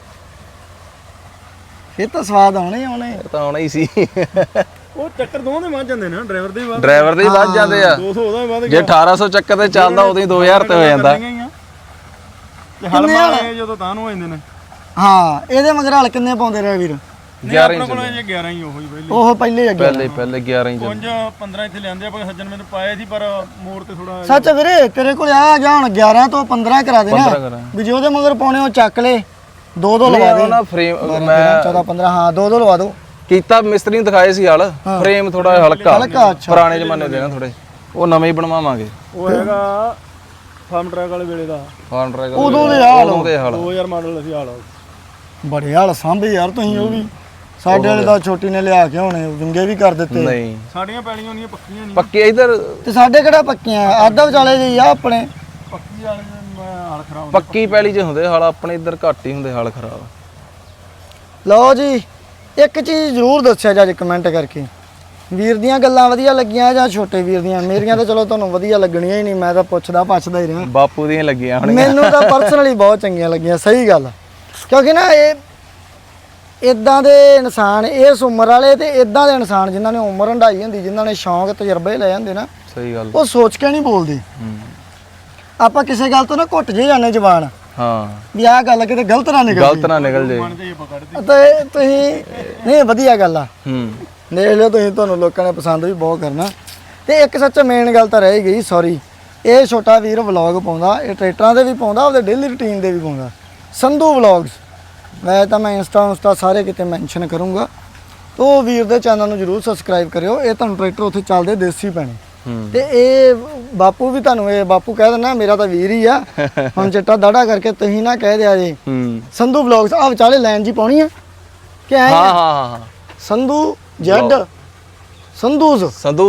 ਇਹ ਤਾਂ ਸਵਾਦ ਆਉਣੇ ਹੀ ਆਉਣੇ।
ਇਹ ਤਾਂ ਆਉਣਾ ਹੀ ਸੀ।
ਉਹ ਚੱਕਰ ਦੋਵਾਂ ਦੇ ਵੱਧ ਜਾਂਦੇ ਨੇ, ਡਰਾਈਵਰ ਦੇ ਵੱਧ।
ਡਰਾਈਵਰ ਦੇ ਹੀ ਵੱਧ ਜਾਂਦੇ ਆ।
200 ਉਹਦਾ ਵੀ ਵੱਧ
ਜੇ 1800 ਚੱਕਰ ਤੇ ਚੱਲਦਾ ਉਦੋਂ ਹੀ 2000 ਤੇ ਹੋ ਜਾਂਦਾ।
ਤੇ ਹਲ ਮਾਰੇ ਜਦੋਂ ਤਾਂ ਨੂੰ ਹੋ ਜਾਂਦੇ ਨੇ।
ਹਾਂ ਇਹਦੇ ਮਗਰ ਹਲ ਕਿੰਨੇ ਪਾਉਂਦੇ ਰਹੇ ਵੀਰ?
11 ਹੀ
ਕੋਲ ਜੇ 11 ਹੀ ਉਹੀ ਪਹਿਲੇ।
ਉਹ ਪਹਿਲੇ ਅੱਗੇ
ਪਹਿਲੇ 11 ਹੀ
ਕੁੰਜ 15 ਇੱਥੇ ਲਿਆਂਦੇ ਆਪਾਂ ਸੱਜਣ ਮੈਨੂੰ ਪਾਏ ਸੀ, ਪਰ ਮੋੜ ਤੇ ਥੋੜਾ।
ਸੱਚ ਵੀਰੇ ਤੇਰੇ ਕੋਲ ਆ ਗਿਆ ਹੁਣ 11 ਤੋਂ 15 ਕਰਾ ਦੇਣਾ ਵੀ ਜੇ ਉਹਦੇ ਮਗਰ ਪਾਉਣੇ ਉਹ ਚੱਕ ਲੈ। ਦੋ ਲਵਾ ਦੇ
ਨਾ ਫਰੇਮ।
14 15 ਹਾਂ ਦੋ ਲਵਾ ਦੋ।
ਕੀਤਾ ਮਿਸਤਰੀ ਨੂੰ ਦਿਖਾਏ ਸੀ ਹਲ, ਫਰੇਮ ਥੋੜਾ ਹਲਕਾ
ਅੱਛਾ।
ਪੁਰਾਣੇ ਜ਼ਮਾਨੇ ਦੇ ਨਾ ਥੋੜੇ, ਉਹ ਨਵੇਂ ਹੀ ਬਣਵਾਵਾਂਗੇ।
ਉਹ ਹੈਗਾ ਫਾਰਮ ਟਰੈਕ ਵਾਲੇ ਵੇਲੇ ਦਾ।
ਫਾਰਮ ਟਰੈਕ
ਉਦੋਂ ਦੇ ਹਾਲ
2000 ਮਾਡਲ ਅਸੀਂ ਹਾਲ।
ਬੜੇ ਹਾਲ ਸਾਂਭੇ ਯਾਰ ਤੁਸੀਂ। ਉਹ ਵੀ ਸਾਡੇ ਵਾਲੇ ਦਾ ਛੋਟੀ ਨੇ ਲਿਆ ਕੇ ਹੁਣੇ ਵਿੰਗੇ ਵੀ ਕਰ ਦਿੱਤੇ।
ਨਹੀਂ
ਸਾਡੀਆਂ ਪੈਲੀਆਂ ਨਹੀਂ ਪੱਕੀਆਂ ਨਹੀਂ।
ਪੱਕੇ ਇਧਰ
ਤੇ ਸਾਡੇ ਕਿਹੜਾ ਪੱਕੀਆਂ ਆਧਾ ਵਿਚਾਲੇ ਜੀ ਆ ਆਪਣੇ।
ਪੱਕੀ ਵਾਲੇ ਮੈਂ ਹਾਲ ਖਰਾਬ।
ਪੱਕੀ ਪੈਲੀ 'ਚ ਹੁੰਦੇ ਹਾਲ, ਆਪਣੇ ਇੱਧਰ ਘੱਟ ਹੀ ਹੁੰਦੇ ਹਾਲ ਖਰਾਬ।
ਲਓ ਜੀ ਇੱਕ ਚੀਜ਼ ਜ਼ਰੂਰ ਦੱਸਿਆ ਜੀ ਕਮੈਂਟ ਕਰਕੇ, ਵੀਰ ਦੀਆਂ ਗੱਲਾਂ ਵਧੀਆ ਲੱਗੀਆਂ ਜਾਂ ਛੋਟੇ ਵੀਰ ਦੀਆਂ? ਮੇਰੀਆਂ ਤਾਂ ਚਲੋ ਤੁਹਾਨੂੰ ਵਧੀਆ ਲੱਗਣੀਆਂ ਹੀ ਨਹੀਂ, ਮੈਂ ਤਾਂ ਪੁੱਛਦਾ ਪੱਛਦਾ ਹੀ ਰਿਹਾ।
ਬਾਪੂ ਦੀਆਂ ਲੱਗੀਆਂ ਹੋਣੀਆਂ।
ਮੈਨੂੰ ਤਾਂ ਪਰਸਨਲੀ ਬਹੁਤ ਚੰਗੀਆਂ ਲੱਗੀਆਂ, ਸਹੀ ਗੱਲ। ਕਿਉਂਕਿ ਨਾ ਇਹ ਇਦਾਂ ਦੇ ਇਨਸਾਨ ਇਸ ਉਮਰ ਵਾਲੇ ਤੇ ਇਦਾਂ ਦੇ ਇਨਸਾਨ ਜਿਨ੍ਹਾਂ ਨੇ ਉਮਰ ਹੰਢਾਈ ਹੁੰਦੀ, ਜਿਨ੍ਹਾਂ ਨੇ ਸ਼ੌਂਕ ਤਜਰਬੇ ਲੈ ਜਾਂਦੇ ਨਾ,
ਸਹੀ ਗੱਲ।
ਉਹ ਸੋਚ ਕੇ ਨਹੀਂ ਬੋਲਦੇ। ਆਪਾਂ ਕਿਸੇ ਗੱਲ ਤੋਂ ਨਾ ਘੁੱਟ ਜੇ ਜਾਂਦੇ ਜ਼ਬਾਨ।
ਹਾਂ
ਵੀ ਆਹ ਗੱਲ ਕਿਤੇ ਗਲਤ ਨਾ ਨਿਕਲ
ਗਲਤ ਨਾ ਨਿਕਲ ਜੇ।
ਤੇ ਤੁਸੀਂ ਨਹੀਂ ਵਧੀਆ ਗੱਲ ਆ। ਦੇਖ ਲਿਓ ਤੁਸੀਂ, ਤੁਹਾਨੂੰ ਲੋਕਾਂ ਨੇ ਪਸੰਦ ਵੀ ਬਹੁਤ ਕਰਨਾ। ਤੇ ਇੱਕ ਸੱਚ ਮੇਨ ਗੱਲ ਤਾਂ ਰਹਿ ਗਈ, ਸੌਰੀ। ਇਹ ਛੋਟਾ ਵੀਰ ਵਲੌਗ ਪਾਉਂਦਾ, ਇਹ ਟਰੈਕਟਰਾਂ ਦੇ ਵੀ ਪਾਉਂਦਾ, ਉਹਦੇ ਡੇਲੀ ਰੂਟੀਨ ਦੇ ਵੀ ਪਾਉਂਦਾ। ਸੰਧੂ ਵਲੌਗਸ, ਵੈਸੇ ਤਾਂ ਮੈਂ ਇੰਸਟਾ ਸਾਰੇ ਕਿਤੇ ਮੈਂਸ਼ਨ ਕਰੂੰਗਾ। ਤੋ ਵੀਰ ਦੇ ਚੈਨਲ ਨੂੰ ਜਰੂਰ ਸਬਸਕ੍ਰਾਈਬ ਕਰਿਓ। ਇਹ ਤੁਹਾਨੂੰ ਟਰੈਕਟਰ ਉੱਥੇ ਚੱਲਦੇ ਦੇਸੀ ਪੈਣੇ ਤੇ ਇਹ ਬਾਪੂ ਵੀ ਤੁਹਾਨੂੰ ਇਹ ਬਾਪੂ ਕਹਿ ਦਿੰਦਾ, ਮੇਰਾ ਤਾਂ ਵੀਰ ਹੀ ਆ। ਹੁਣ ਚਿੱਟਾ ਦਾੜਾ ਕਰਕੇ ਤੁਸੀਂ ਨਾ ਕਹਿ ਦਿਆ ਜੀ ਸੰਧੂ ਵਲੌਗਸ। ਆ ਵਿਚਾਲੇ ਲਾਈਨ ਜੀ ਪਾਉਣੀ ਆ ਕਿ ਐ?
ਹਾਂ
ਸੰਧੂ ਜੈਡ ਸੰਧੂਜ਼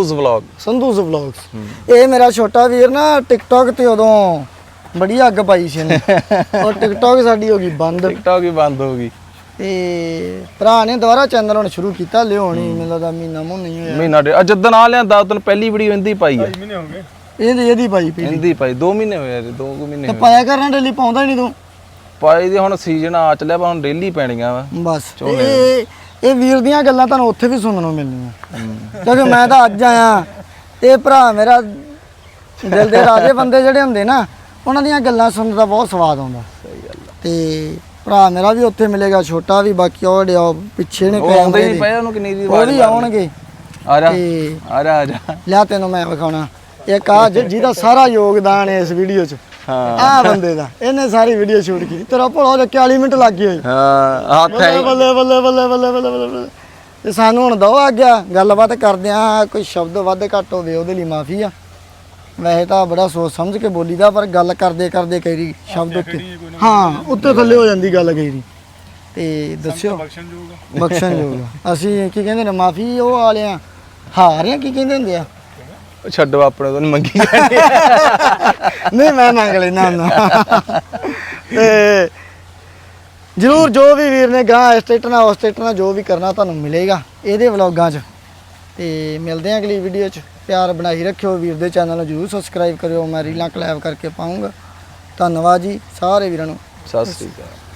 ਵਲੌਗਸ। ਇਹ ਮੇਰਾ ਛੋਟਾ ਵੀਰ ਨਾ ਟਿਕਟੌਕ ਤੇ ਉਦੋਂ ਬੜੀ ਅੱਗ ਪਾਈ ਸੀ ਇਹਨੇ। ਔਰ ਟਿਕਟੌਕ ਸਾਡੀ ਹੋ ਗਈ ਬੰਦ।
ਹੋ ਗਈ
ਤੇ ਭਰਾ ਨੇ ਦੁਬਾਰਾ ਚੈਨਲ ਹੁਣ ਸ਼ੁਰੂ ਕੀਤਾ, ਲਿਆਉਣੀ ਮੈਨੂੰ ਲੱਗਦਾ ਮਹੀਨਾ ਨਹੀਂ ਹੋਇਆ।
ਮਹੀਨਾ ਜਦੋਂ ਆ ਲਿਆਂਦਾ ਉਦੋਂ ਪਹਿਲੀ ਵੀਡੀਓ ਇੰਦੀ ਪਾਈ ਹੈ।
ਮਹੀਨੇ ਹੋ ਗਏ
ਇਹਦੀ ਪਾਈ ਪਈ
ਇੰਦੀ ਪਾਈ 2 ਮਹੀਨੇ ਹੋਏ, 2 ਮਹੀਨੇ
ਤੇ ਪਾਇਆ ਕਰਨਾ ਡੇਲੀ, ਪਾਉਂਦਾ ਹੀ ਨਹੀਂ ਤੂੰ।
ਪਾਈ ਦੀ ਹੁਣ ਸੀਜ਼ਨ ਆ ਚੱਲਿਆ, ਪਰ ਹੁਣ ਡੇਲੀ ਪੈਣੀਆਂ ਵਾ
ਬਸ ਇਹ ਵੀਰ ਦੀਆਂ ਗੱਲਾਂ ਤੁਹਾਨੂੰ ਉੱਥੇ ਵੀ ਸੁਣਨ ਨੂੰ ਮਿਲਣੀਆਂ, ਕਿਉਂਕਿ ਮੈਂ ਤਾਂ ਅੱਜ ਆਇਆ ਤੇ ਭਰਾ ਮੇਰਾ ਦਿਲ ਦੇ ਰਾਜੇ ਬੰਦੇ ਜਿਹੜੇ ਹੁੰਦੇ ਨਾ, ਉਹਨਾਂ ਦੀਆਂ ਗੱਲਾਂ ਸੁਣਨ ਦਾ ਬਹੁਤ ਸਵਾਦ ਆਉਂਦਾ।
ਸਹੀ ਗੱਲ
ਤੇ ਭਰਾ ਮੇਰਾ ਵੀ ਉੱਥੇ ਮਿਲੇਗਾ, ਛੋਟਾ ਵੀ, ਬਾਕੀ ਉਹ ਡਿਆ ਪਿੱਛੇ ਨੇ
ਆਉਂਦੇ ਨਹੀਂ ਪਏ, ਉਹਨੂੰ ਕਿੰਨੀ ਦੀ
ਉਹ ਵੀ ਆਉਣਗੇ।
ਆ ਜਾ
ਤੇ
ਆ ਜਾ
ਲਿਆ ਤੈਨੂੰ ਮੈਂ ਵਿਖਾਉਣਾ ਇੱਕ ਆ ਜਿਹਦਾ ਸਾਰਾ ਯੋਗਦਾਨ ਹੈ ਇਸ ਵੀਡੀਓ 'ਚ।
ਹਾਂ
ਆਹ ਬੰਦੇ ਦਾ, ਇਹਨੇ ਸਾਰੀ ਵੀਡੀਓ ਸ਼ੂਟ ਕੀਤੀ। ਤੇਰਾ ਭੋਲਾ ਉਹਦੇ 40 ਮਿੰਟ ਲੱਗ ਗਏ।
ਹਾਂ ਹੱਥ ਹੈ
ਬੱਲੇ ਬੱਲੇ ਬੱਲੇ ਬੱਲੇ ਬੱਲੇ ਬੱਲੇ। ਤੇ ਸਾਨੂੰ ਹੁਣ ਦੋ ਆ ਗਿਆ ਗੱਲਬਾਤ ਕਰਦੇ ਆ, ਕੋਈ ਸ਼ਬਦ ਵੱਧ ਘੱਟ ਹੋਵੇ ਉਹਦੇ ਲਈ ਮਾਫੀ ਆ। ਵੈਸੇ ਤਾਂ ਬੜਾ ਸੋਚ ਸਮਝ ਕੇ ਬੋਲੀਦਾ, ਪਰ ਗੱਲ ਕਰਦੇ ਕਰਦੇ ਕਈ ਵਾਰੀ ਸ਼ਬਦ ਉੱਤੇ ਉੱਤੇ ਥੱਲੇ ਹੋ ਜਾਂਦੀ ਗੱਲ ਕਈ ਵਾਰੀ। ਤੇ ਦੱਸਿਓ ਬਖਸ਼ਣਯੋਗ। ਅਸੀਂ ਕੀ ਕਹਿੰਦੇ ਨੇ, ਮਾਫੀ ਉਹ ਵਾਲਿਆਂ ਹਾਰ ਆ, ਕੀ ਕਹਿੰਦੇ ਹੁੰਦੇ ਆ?
ਛੱਡੋ ਆਪਣੇ ਤੋਂ ਮੰਗੀ
ਨਹੀਂ ਮੈਂ ਮੰਗ ਲੈਣਾ ਹੁੰਦਾ। ਤੇ ਜ਼ਰੂਰ ਜੋ ਵੀ ਵੀਰ ਨੇ ਗਾਂ ਇਸ ਸਟੇਟ ਨਾਲ ਉਸ ਸਟੇਟ ਨਾਲ ਜੋ ਵੀ ਕਰਨਾ ਤੁਹਾਨੂੰ ਮਿਲੇਗਾ ਇਹਦੇ ਵਲੌਗਾਂ 'ਚ। ਤੇ ਮਿਲਦੇ ਹਾਂ ਅਗਲੀ ਵੀਡੀਓ 'ਚ। ਪਿਆਰ ਬਣਾਈ ਰੱਖਿਓ, ਵੀਰ ਦੇ ਚੈਨਲ ਨੂੰ ਜ਼ਰੂਰ ਸਬਸਕ੍ਰਾਈਬ ਕਰਿਓ। ਮੈਂ ਰੀਲਾਂ ਕਲੈਬ ਕਰਕੇ ਪਾਊਂਗਾ। ਧੰਨਵਾਦ ਜੀ ਸਾਰੇ ਵੀਰਾਂ ਨੂੰ।
ਸਤਿ ਸ੍ਰੀ ਅਕਾਲ।